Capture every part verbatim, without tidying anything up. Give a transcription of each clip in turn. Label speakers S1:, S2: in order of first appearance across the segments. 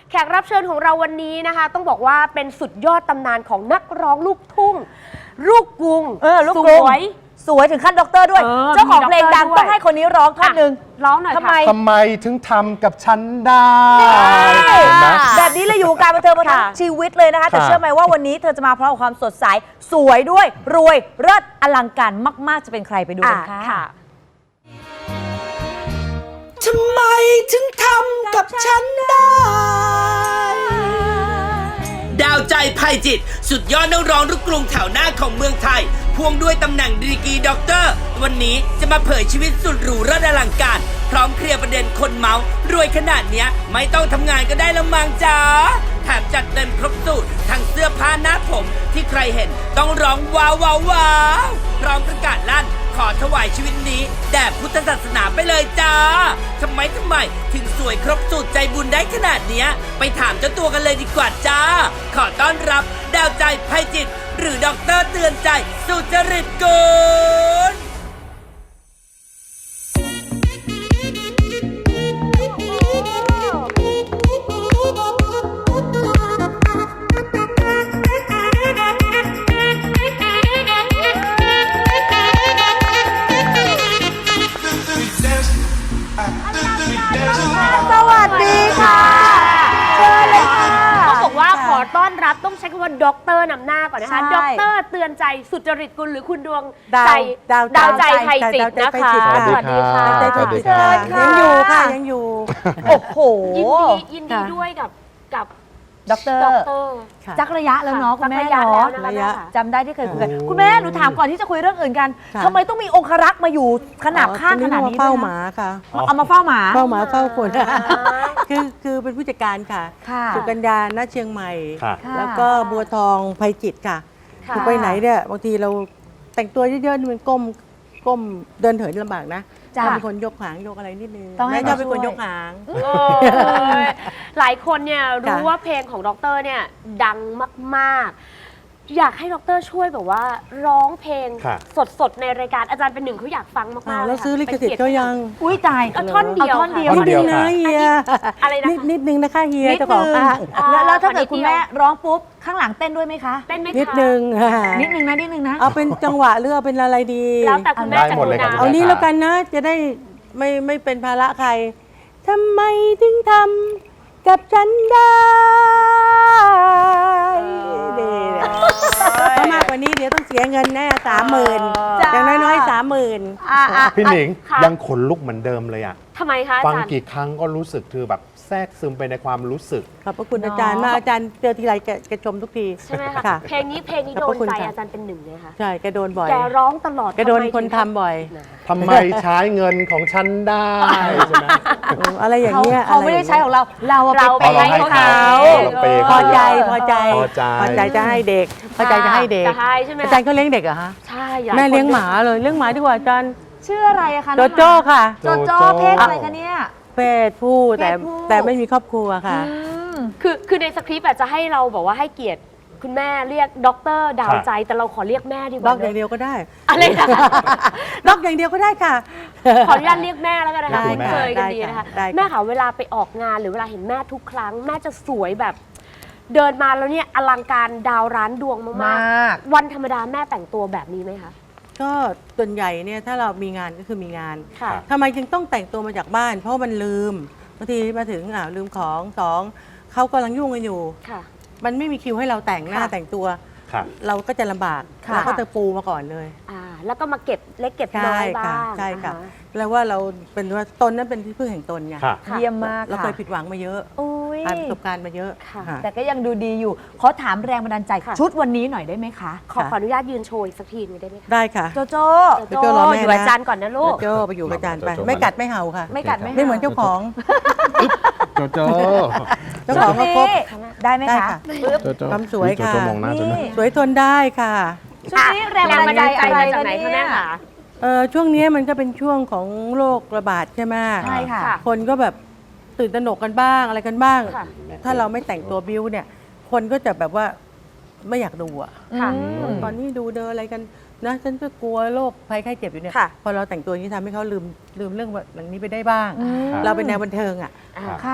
S1: แขกรับเชิญของเราวันนี้นะคะต้องบอกว่าเป็นสุดยอดตำนานของนักร้องลูกทุ่งลูกกรุง
S2: เออลูก
S1: ส
S2: กรุง
S1: วย
S2: สวยถึงขั้นด็อกเตอร์ด้วย
S1: เออ
S2: เจ้าของเพลงดัง
S1: มีด็อกเตอร์ด้วย
S2: ต้องให้คนนี้ร้องท่อนหนึ่ง
S1: ร้องหน่อย
S2: ทำไม
S1: ค่ะ
S3: ทำไมถึงทำกับฉันได้
S2: เห็
S3: เห็นไหม
S2: แบบนี้เลยอยู่วงการบันเทิงมาทั้ง
S1: ค่ะ
S2: ชีวิตเลยนะคะ แต่
S3: ค่ะ
S2: เชื่อไหมว่าวันนี้เธอจะมาพร้อมกับความสดใสสวยด้วยรวยเลิศอลังการมากๆจะเป็นใครไปดูกันค่ะ
S1: ค่ะ
S4: ทำไมถึงทำกับฉันได้ ดาวใจภัยจิต สุดยอดนักร้องลูกกรุงแถวหน้าของเมืองไทยพ่วงด้วยตำแหน่งดีกรีด็อกเตอร์ วันนี้จะมาเผยชีวิตสุดหรูระดับอลังการ พร้อมเคลียร์ประเด็นคนเมารวยขนาดเนี้ยไม่ต้องทำงานก็ได้แล้วมังจ้าแถมจัดเต็มครบสูตรทั้งเสื้อผ้าหน้าผมที่ใครเห็นต้องร้องว้าวว้าวว้าวพร้อมประกาศลั่นขอถวายชีวิตนี้แด่พุทธศาสนาไปเลยจ้าทำไมทำไมถึงสวยครบสูตรใจบุญได้ขนาดเนี้ยไปถามเจ้าตัวกันเลยดีกว่าจ้าขอต้อนรับดาวใจภัยจิตหรือด็อกเตอร์เตือนใจสุจริตกุล
S2: สวัสดีค่ะเชิญเลยค่ะ
S1: ต้องบอกว่าขอต้อนรับต้องใช้คำว่าด็อกเตอร์นำหน้าก่อนนะคะ
S2: ใช่
S1: ด็อกเตอร์เตือนใจสุจริตกุลหรือคุณดวง
S2: ดาว
S1: ใจ
S2: ดาว
S1: ดาวใจ
S2: ดาวใจ
S1: ไทยจิต
S2: ดาวใจ
S1: นะคะ
S2: ไทยจิต
S1: สวัสดีค่ะ
S3: สวัสดีค่ะ
S2: เชิญค่ะ
S5: ยังอยู่ค่ะยังอยู่
S2: โอ้โห
S1: ยินดียินดี
S2: ค่ะ
S1: ด้วยกับกับ
S2: ด็อกเตอร์
S1: ด็อกเตอร์
S5: ค่ะ
S2: จักระยะแล้วเนาะคุณแม่
S1: สักระยะ
S2: เนาะ
S1: แล้วนะคะ
S5: ระยะ
S1: แม่ค่ะ
S2: จำได้ที่เคยคุยกัน
S3: โอ้
S2: คุณแม่หนูถามก่อนที่จะคุยเรื่องอื่นกัน
S5: ค่ะ
S2: ทำไมต้องมีองครักษ์มาอยู่ขนาบข้างขนาดนี้
S5: เฝ้า
S2: ด้วย
S5: หมาค่ะ
S2: เอามาเฝ้าหมา
S5: เฝ้าหมาเฝ้าคนคือคือเป็นผู้จัดการค่ะ
S2: ค่ะ
S5: สุกัญญาณเชียงใหม่
S3: ค่ะ
S2: ค่ะ
S5: แล้วก็บัวทองภัยจิตค่ะ
S1: ค่ะ
S5: คือไปไหนเนี่ยบางทีเราแต่งตัวเยอะๆนี่มันก้มก้มเดินเหินลำบากนะ
S2: จ้ะ
S5: ต้องเป็นคนยกหางยกอะไรนิดนึง
S2: ต้องให้
S5: แม่ชอบ
S2: เขา
S5: เป็นคน
S2: ช่วย
S5: ยกหาง
S1: โอ้ยหลายคนเนี่ยรู้
S5: ค่ะ
S1: ว่าเพลงของด็อกเตอร์เนี่ยดังมากๆ อยากให้ด็อกเตอร์ช่วยแบบว่าร้องเพลง
S3: ค่ะ
S1: สดๆในรายการอาจารย์เป็นหนึ่งเขาอยากฟังมากๆ
S5: อ้าว
S1: เลย
S5: แล้ว
S1: ค่ะ
S5: ซื้อลิขสิทธิ์เขายัง
S2: อุ้ยตาย
S1: เอาท่อนเดียว
S2: เอาท่อนเดียว
S1: ค่ะ
S3: ท่อนเดียว
S5: นิดนึงนะเฮีย
S1: อะไรนะคะ
S5: นิดนิดนึงนะคะเฮีย
S2: นิด
S5: เจ้าของ
S2: นึง
S5: ห้าง
S1: อ๋อ
S2: แล้วแล้วถ้าเกิด
S1: ขอนิด
S2: คุณ
S1: เดียว
S2: แม่ร้องปุ๊บข้างหลังเต้นด้วยไหมคะ
S1: เต้นไหมคะ
S5: นิดนึง
S2: นิดนึงนะนิดนึงนะ
S5: เอาเป็นจังหวะหรือเอาเป็นอะไรดี
S1: แล้วแต่คุณแม่
S3: ได้
S1: จะ
S3: หมดเลยครับ
S1: นะ
S5: เอานี้แล้วกันนะ จะได้ไม่ไม่เป็นภาระใคร ทำไมถึงทำกับฉันได้ดีนะถ้ามากกว่านี้เดี๋ยวต้องเสียเงินแน่สามหมื่น
S2: จ้า
S5: อย่างน้อยๆสามหมื่น
S2: อ่ะอ่ะ
S3: พี่หนิง
S1: ค่ะ
S3: ยังขนลุกเหมือนเดิมเลยอ่ะ
S1: ทำไมคะอา
S3: ฟัง
S1: จารย์
S3: กี่ครั้งก็รู้สึกคือแบบแทรกซึมไปในความรู้สึก
S5: ขอบพระคุณอาจารย์มากอาจารย์เจอทีไรแกแกชมทุกที
S1: ใช่ไหมคะ
S5: ค่ะ
S1: เพลงนี้เพลงนี้
S5: ข
S1: โด
S5: อบพ
S1: น
S5: ระคุณ
S1: ใจ
S5: ค่ะ
S1: อาจารย์เป็นหนึ่งเลยค่ะ
S5: ใช่แกโดนบ่อย
S1: แกร้องตลอด
S5: แกโดน
S1: ทำไม
S5: คน
S1: ถึง
S5: ทำบ่อย
S3: ทำไมใช้เงินของฉันได้ใช่ไหม
S5: เอออะไรอย่าง
S2: เขา
S5: เงี้ย
S2: เขาไม่ได้ใช้ของเรา เราอะ
S1: เรา
S2: ไป
S1: ไป
S2: ให้
S1: ให้
S2: เขา
S1: เขา
S3: เราเปย์
S5: พอใจพอใจ
S3: พอใจ
S5: พอใจจะให้เด็กพอใจจะให้เด็ก
S1: จะให้ใช่ไหม
S5: อาจารย์เขาเลี้ยงเด็กเหรอฮะ
S1: ใช่หลาย
S5: แม่เลี้ยง
S1: คน
S5: หมาเลยเลี้ยงหมาดีกว่าอาจารย์
S2: ชื่ออะไรอะคะ
S5: โจโจ้ค่ะ
S2: โจโจ้เพศอะไรคะเนี่ย
S5: เพศผู้แต่
S2: เพศผู้
S5: แต่ไม่มีครอบครัวค่ะ
S2: อืม
S1: คือคือในสคริปต์อาจจะให้เราบอกว่าให้เกียรติคุณแม่เรียกด็อกเตอร์ดาวใจแต่เราขอเรียกแม่ดีก
S5: ล็
S1: ว่า
S5: อกอย่างเดียวก็ได้
S1: อะไรนะ
S5: ล็อกอย่างเดียวก็ได้ค่ะ
S1: ขออนุญาตเรียกแม่แล้วกันนะคะ
S5: ได้
S1: คุ้นเคยกันดี
S5: ได้
S1: นะคะ
S5: ค่ะได้ค่ะ
S1: แม่ค่ะเวลาไปออกงานหรือเวลาเห็นแม่ทุกครั้ง แม่จะสวยแบบ เดินมาแล้วเนี่ยอลังการดาวร้านดวงมาก
S2: มาก
S1: ๆ วันธรรมดาแม่แต่งตัวแบบนี้ไหมคะ
S5: ก็ส่วนใหญ่เนี่ยถ้าเรามีงานก็คือมีงาน
S1: ค่ะ
S5: ทำไมจึงต้องแต่งตัวมาจากบ้าน เพราะมันลืมบางทีมาถึงอ่าวลืมของสองเขากำลังยุ่งกันอยู่
S1: ค่ะ
S5: มันไม่มีคิวให้เราแต่งหน้า
S1: ค่ะ
S5: แต่งตัว
S3: ค่ะ
S5: เราก็จะลำบาก
S1: ค่ะ
S5: เราก็จะปูมาก่อนเลย
S1: อ่าแล้วก็มาเก็บเล็กเก็บน้
S5: ใช่
S1: อยบ้า
S5: ค่ะ
S1: ง
S5: ใช่ค่ะ
S1: น
S5: แล้วว่าเราเป็นว่าตนนั้นเป็นที่พึ่งแห่งตนไง
S3: ค่ะ
S2: เยี่ยมมาก
S5: เราเคย
S2: ค่ะ
S5: ผิดหวังมาเยอะ
S2: อุ้ย
S5: ผ่านประสบการณ์มาเยอะ
S1: ค่ะ
S5: ค่ะ
S2: แต่ก็ยังดูดีอยู่ ขอถามแรงบันดาลใจ
S1: ค่ะ
S2: ชุดวันนี้หน่อยได้ไหมคะ
S1: ขอขออนุญาตยืนโชว์อีกสักทีหนึงได้ไหมคะ
S5: ได้ค่ะ
S2: โจโจ้
S1: โจ
S5: โจรอแม่
S1: อยู่
S5: นะ
S1: อาจารย์ก่อนนะลูก
S5: โจไปอยู่กับอาจารย์ไป
S3: โจโจ้
S5: ไม่กัดไม่เห่าค่ะ
S2: ไม่กัดไม่
S5: ไม่เหมือน
S2: ห่า
S5: เจ้าของ
S3: โจโจ้
S5: เจ้าของก็ครบ
S2: ได้ไหม
S5: ได้
S2: คะ
S5: ค่ะ
S2: ปึ๊บ
S3: โจโจ้
S5: ความสวยค่ะ
S3: โจโจ้มองหน้าฉันไหม
S2: นี่
S5: สวยทนได้ค่ะ
S2: ชุดนี้แรงบันดาลใจอะไร
S1: จาก
S2: คะ
S1: ไหน
S2: เนี่
S1: คะแม่
S2: ย
S1: คะ
S5: เอ่อช่วงนี้มันก็เป็นช่วงของโรคระบาดใช่ไหม
S2: ใช่ค่ะ
S5: คนก็แบบตื่นตระหนกกันบ้างอะไรกันบ้าง
S1: ค่ะ
S5: ถ้าเราไม่แต่งตัวบิ้วเนี่ย คนก็จะแบบว่าไม่อยากดูอ่ะ
S1: ค่ะ
S2: อืม
S5: ตอนนี้ดูเดินอะไรกันนะฉันก็กลัวโรคภัยไข้เจ็บอยู่เนี่ย
S1: ค่ะ
S5: พอเราแต่งตัวอย่างนี้ทำให้เขาลืมลืมเรื่องแบบนี้ไปได้บ้าง
S2: อืม
S5: เราเป็นแนวบันเทิงอ่ะ
S1: อ่า
S2: ค่ะ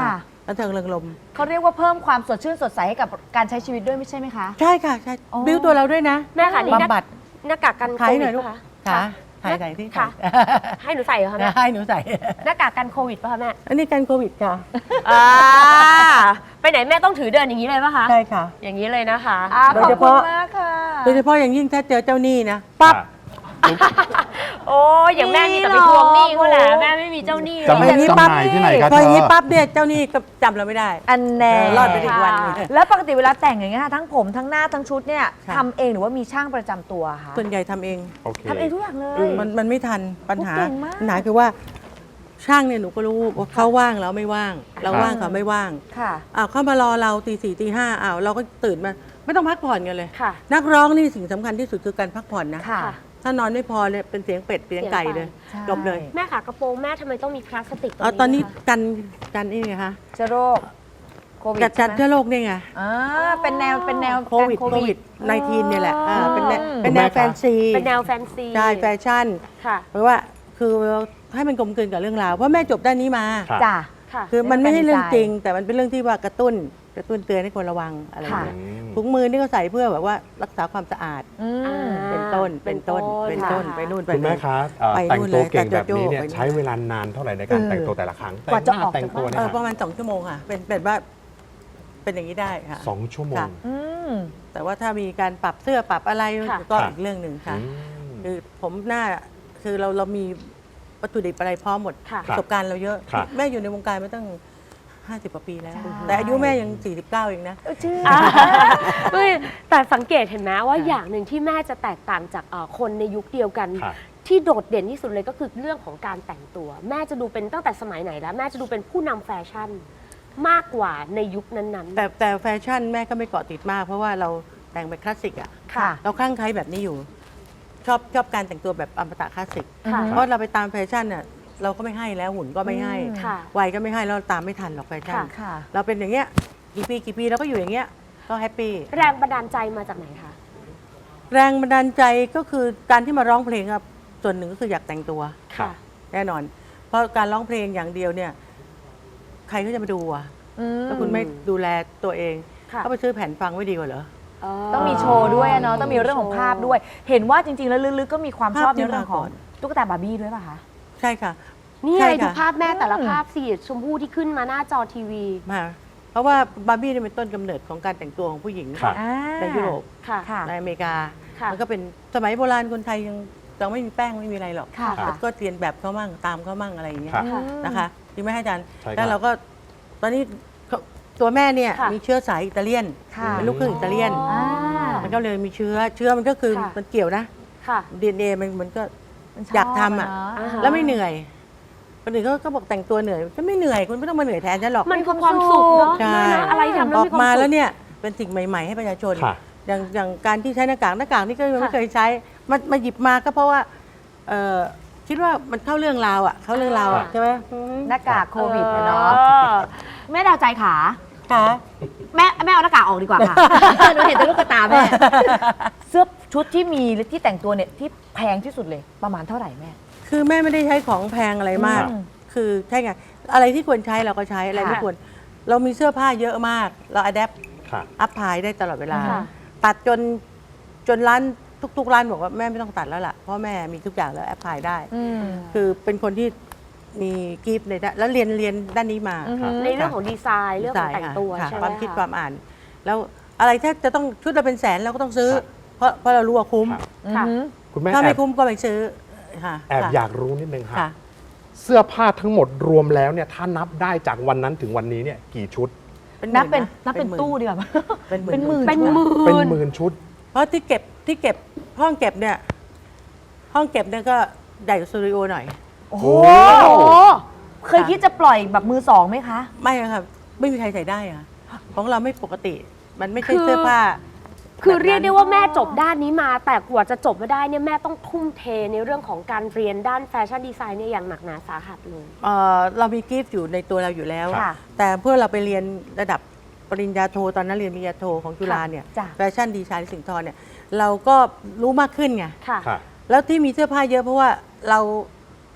S5: บันเทิงเริงรมย์
S2: เขาเรียกว่าเพิ่มความสดชื่นสดใสให้กับการใช้ชีวิตด้วยไม่ใช่ไหมคะ
S5: ใช่ค่ะใช่
S2: อ๋อ
S5: บิ้วตัวเราด้วยนะ
S1: แม่ค่ะนี่หน้า
S5: บำบัด
S1: หน้ากากกันโค
S5: ถ่าย
S1: วิ
S5: หน่
S1: ด
S5: อยลูก
S1: ป่ะคะ
S5: ค่ะถ่ายใส่ที่
S1: ค่ะ
S5: ถ่าย
S1: ให้หนูใส่เหรอคะแม่
S5: ให้หนูใส่
S1: หน้ากากกันโควิดป่ะคะแม่
S5: อันนี้กันโควิดค่ะ
S1: อ่าไปไหนแม่ต้องถือเดินอย่างนี้เลยป่ะคะ
S5: ใช่ค่ะ
S1: อย่างนี้เลยนะคะ
S2: อ่า
S5: โด
S2: ข
S5: ย
S2: อบ
S5: เฉ
S2: คุณ
S5: พาะ
S2: มากค่ะ
S5: โดยเฉพาะอย่างยิ่งถ้าเจอเจ้าหนี้นะปั๊บ
S1: โอ้ยอย่างแม่มีแต่ไปทวงหนี้เขาแหละแม่ไม่มีเจ้าหนี้
S3: จะไม่
S5: อย่างนี้
S3: จำ
S5: ปั๊บ
S3: หน่ายที่ไหนครับ
S5: พออย่างนี้
S3: เธอ
S5: ปั๊บเนี่ยเจ้าหนี้ก็จำเราไม่ได้
S2: อันแน่
S5: เออรอดไปได้อีกวันหนึ่ง
S2: แล้วปกติเวลาแต่งอย่างเงี้ยค่ะทั้งผมทั้งหน้าทั้งชุดเนี่ย
S5: ค่ะ
S2: ทำเองหรือว่ามีช่างประจำตัวคะ
S5: ส่วนใหญ่ทำเอง
S3: โอเค
S2: ทำเองทุกอย่างเลย
S5: มันมันไม่ทันปัญหา
S2: โอ้เก่งมาก
S5: ปัญหาคือว่าช่างเนี่ยหนูก็รู้ว่าเขาว่างแล้วไม่ว่าง เรา
S3: ครับ
S5: ว่างเขาไม่ว่าง
S2: ค่ะ
S5: อ้าวเข้ามารอเราตีสี่ตีห้าอ้าวเราก็ตื่นมาไม่ต้องพักผ่อนกันเลย
S1: ค่ะ
S5: นักร้องนี่สิ่งสำคัญที่สุดคือการพักผ่อนนะ
S2: ค่ะ
S5: ถ้านอนไม่พอเนี่ยเป็นเสียงเป็ดเสียงไก่เลย
S2: ใช่
S5: จบเลย
S1: แม่ค่ะกระโปรงแม่ทำไมต้องมีพลาสติกตรง
S5: เอา
S1: นี้
S5: ตอนนี้
S1: คะ
S5: กันกันนี่ไงคะ
S2: เชื้อโรคโควิด
S5: จัดจัด
S2: ใช่ไหม
S5: เชื้อโรคนี่ไง
S2: อ่าเป็นแนวเป็นแนว
S5: โควิด
S2: การ
S5: โควิดในทีนเนี่ยแหละอ่าเป็นแนว
S2: อืม
S5: เป็นแนวแฟนซี
S1: เป็นแนวแฟนซี
S5: ใช่แฟชั่น
S1: ค่ะ
S5: เพราะว่าคือให้มันกลมกลืนกับเรื่องราวเพราะแม่จบด้านนี้มา
S3: ครับ
S2: จ้ะ
S1: ค่ะ
S5: คือมันไม่ใช่เรื่อง
S2: เป็นดีไซน์
S5: จริง แต่มันเป็นเรื่องที่ว่ากระตุ้นกระตุ้นเตือนให้คนระวังอะไรอย่าง
S2: ค่ะ
S5: เงี้ยถุงมือนี่ก็ใส่เพื่อแบบว่ารักษาความสะอาด
S2: อืม
S5: เป็นต้นเป็นต้นเป็นต้น
S1: ค่ะ
S5: ไปนู่นไป
S3: คุณแม่
S5: นี่
S3: คะเอ่อ
S5: ไป
S3: แต่ง
S5: นู่น
S3: ตัว
S5: เลย
S3: เก่งแบบ
S5: แต่โจ
S3: นี้
S5: โจ้
S3: เนี่ย
S5: ไปนู่น
S3: ใช้เวลานานเท่าไหร่ในการ
S2: เออ
S3: แต่งตัวแต่ละครั้ง
S2: กว่าจะ
S3: แต่งห
S2: ออก
S3: แต่งตัว
S2: จาก
S3: เนี่
S5: เอย อ
S3: ค
S5: ป
S3: รับ
S5: ระมาณสองชั่วโมงค่ะ เป็นเป็นว่าเป็นอย่างนี้ได้ค่ะ
S3: สองชั่วโมง
S5: ค่ะ
S2: อืม
S5: แต่ว่าถ้ามีการปรับเสื้อปรับอะไร
S1: ค่ะ
S5: ก็
S3: ค่ะ
S5: อีกเรื่องหนึ่งค่ะ
S3: อืม
S5: คือผมหน้าคือเราเรามีวัตถุดิบอะไรพร้อมหมด
S1: ค่ะ
S5: ประสบการณ์เราเยอะ
S3: ครับ
S5: แม่อยู่ในวงการมาตั้งห้าสิบกว่าปีแล้ว
S2: ใช่
S5: แต่อายุแม่ยังสี่สิบเก้าเองนะ
S2: ชื่อ
S1: อ่าเฮ้ยแต่สังเกตเห็นไหมว่า
S5: ค่ะ
S1: อย่างหนึ่งที่แม่จะแตกต่างจากเอ่อคนในยุคเดียวกัน
S3: ครับ
S1: ที่โดดเด่นที่สุดเลยก็คือเรื่องของการแต่งตัว แม่จะดูเป็นตั้งแต่สมัยไหนแล้ว แม่จะดูเป็นผู้นำแฟชั่นมากกว่าในยุคนั้นๆ
S5: แต่แต่แฟชั่นแม่ก็ไม่เกาะติดมาก เพราะว่าเราแต่งแบบคลาสสิกอ่ะ
S2: ค่ะ
S5: เราคลั่งไคล้แบบนี้อยู่ ชอบชอบการแต่งตัวแบบอมตะคลาสสิก
S1: ค่ะ
S5: เพราะเราไปตามแฟชั่นน่ะเราก็ไม่ให้แล้วหุ่นก็ไม่ให้
S2: อืม
S1: ค่ะ
S5: วัยก็ไม่ให้แล้วเราตามไม่ทันหรอกแฟชั่น
S1: ค่ะ
S2: ค่ะ
S5: เราเป็นอย่างเงี้ยกี่ปีกี่ปีเราก็อยู่อย่างเงี้ยก็แฮปปี้
S1: แรงบันดาลใจมาจากไหนคะ
S5: แรงบันดาลใจก็คือการที่มาร้องเพลงครับส่วนหนึ่งก็คืออยากแต่งตัว
S1: ค่ะ
S5: แน่นอน เพราะการร้องเพลงอย่างเดียวเนี่ย ใครก็จะมาดูอ่ะ
S2: อืม
S5: ถ้าคุณไม่ดูแลตัวเอง
S1: ค่ะ
S5: ก็ไปซื้อแผ่นฟังไม่ดีกว่าเหรอ
S2: ต้องมีโชว์ด้วยอะเนาะต้องมีเรื่องของภาพด้วย เห็นว่าจริงๆ แล้วลึกๆก็มีความชอบ
S5: ภาพที่
S2: ในเรื่องของ
S5: มาก่อน
S2: ตุ๊กตาบาร์บี้ด้วยป่ะคะ
S5: ใช่ค่ะ
S1: นี่
S5: ใช่
S1: ไงดู
S5: ค่ะ
S1: ภาพแม่แต่ละ
S2: อืม
S1: ภาพสีชมพูที่ขึ้นมาหน้าจอทีวี
S5: มาเพราะว่าบาร์บี้เนี่ยเป็นต้นกำเนิดของการแต่งตัวของผู้หญิง
S3: ครับ
S2: อ่า
S5: ในยุโรป
S1: ค่ะ
S2: ค่ะ
S5: ในอเมริกา
S1: ค่ะ
S5: มันก็เป็นสมัยโบราณคนไทยยังยังไม่มีแป้งไม่มีอะไรหรอก
S2: ค่ะ
S5: แล้วก็เรียนแบบเขามั่งตามเขามั่งอะไรอย่างเงี้ย
S3: ครับ
S2: อืม
S5: นะคะจริงไหมอาจารย์
S3: ใช่ครับ
S5: แล้วเราก็ตอนนี้เขาตัวแม่เนี่ย
S1: ค่ะ
S5: มีเชื้อสายอิตาเลียน
S2: ค่ะ
S5: เป็นลูกครึ่งอิตาเลียน
S2: อ่า
S5: มันก็เลยมีเชื้อเชื้อมันก็คือ
S1: ค่ะ
S5: มันเกี่ยวนะ
S1: ค่ะ
S5: ดีเอ็นเอมันมันก็
S2: มันชบ
S5: อยากทำอ่ะ
S2: เน
S1: อ่าฮะ
S5: แล้วไม่เหนื่อยคนอื่นเขาก็บอกแต่งตัวเหนื่อยก็ไม่เหนื่อยคุณไม่ต้องมาเหนื่อยแทนฉันหรอก
S1: มันคือความสุขเนาะ
S5: ใช่
S1: นะอะไรทำแล้ว
S5: ออ
S1: มี
S5: ก
S1: ความ
S5: มา
S1: สุ
S5: แล้ว
S1: ข
S5: เนี่ยเป็นสิ่งใหม่ ๆ ให้ประชาชน
S3: ค่ะ
S5: อย่างอย่างการที่ใช้หน้ากากหน้ากากนี่ก็ยังไม่
S1: ค่ะ
S5: เคยใช้มามาหยิบมาก็เพราะว่าเอ่อคิดว่ามันเข้าเรื่องราวอ่ะเข้าเรื่องราวอ่ะ
S3: ค่ะ
S5: ใช่ไหมอืม
S2: หน้ากากโควิดอะเนาะ
S1: ออ
S2: แม่ดาวใจขา
S5: ค่ะ
S2: แม่แม่เอาหน้ากากออกดีกว่าค่ะ หนูเห็นแต่ลูกตาแม่ เสื้อชุดที่มีที่แต่งตัวเนี่ยที่แพงที่สุดเลยประมาณเท่าไหร่แม่
S5: คือแม่ไม่ได้ใช้ของแพงอะไรมาก
S2: อืม
S5: คือใช่ไงอะไรที่ควรใช้เราก็ใช้อะไรไม่
S2: ค่ะ
S5: ควร เรามีเสื้อผ้าเยอะมาก เราอัดแอป
S3: ค่ะ
S5: อัพพายได้ตลอดเวลา
S1: ค่ะ
S5: ตัดจนจนร้านทุกๆร้านบอกว่าแม่ไม่ต้องตัดแล้วล่ะเพราะแม่มีทุกอย่างแล้วแอปพายได้
S2: อืม
S5: คือเป็นคนที่มีกิฟต์ในด้านแล้วเรียนเรียนด้านนี้มา
S2: อือฮึ
S1: ในเรื่องของดีไซน์เรื่องของแต่งตัว
S5: ค่ะ
S1: ใช่ไหม
S5: ความคิด
S1: ะ
S5: ความอ่าน แล้วอะไรถ้าจะต้องชุดเราเป็นแสนเราก็ต้องซื้อ
S3: ครับ
S5: เพราะเพราะเรารู้ว่าคุ้ม
S3: ครับ
S1: ค่ะ
S2: อืม
S3: คุณแม่
S5: ถ้า
S3: แอ
S5: ไม่
S3: บ
S5: คุ้มก็ไม่ซื้อค่ะ
S3: แอบ
S5: ค่ะ
S3: อยากรู้นิดนึงค่ะ
S5: ค่ะ
S3: เสื้อผ้าทั้งหมดรวมแล้วเนี่ยถ้านับได้จากวันนั้นถึงวันนี้เนี่ยกี่ชุด
S2: นับเป็น
S5: หมื่ะ
S2: นับเป็น
S5: หมื่
S2: ตู้ดีกว่า
S5: เป็นหมื่น
S2: เป็นหมื่น
S1: เป็นหมื่
S3: เป็น
S1: น
S3: หมื่นชุด
S5: เพราะที่เก็บที่เก็บห้องเก็บเนี่ยห้องเก็บเนี่ยก็ใหญ่กว่าสตูดิโอหน่อย
S2: โอ้โห
S3: โอ้โห
S2: เคยคิดจะปล่อยแบบมือสองไหมคะ
S5: ไม่อะค่ะไม่มีใครใส่ได้อะของเราไม่ปกติ มันไม่ใช่
S1: คือ
S5: เสื้อผ้า
S1: คือ
S5: แบบนั้น
S1: เรียกได้ว่าแม่จบด้านนี้มา แต่กว่าจะจบมาได้เนี่ยแม่ต้องทุ่มเทในเรื่องของการเรียนด้านแฟชั่นดีไซน์เนี่ยอย่างหนักหนาสาหัสเลย
S5: เอ่อเรามีกิฟต์อยู่ในตัวเราอยู่แล้ว
S2: ค่ะ
S5: แต่เพื่อเราไปเรียนระดับปริญญาโทตอนนั้นเรียนปริญญาโทของจุฬาเนี่ย
S2: จ้ะ
S5: แฟชั่นดีไซน์สิงห์ทรเนี่ยเราก็รู้มากขึ้นไง
S1: ค่ะ
S3: ค่ะ
S5: แล้วที่มีเสื้อผ้าเยอะเพราะว่าเรา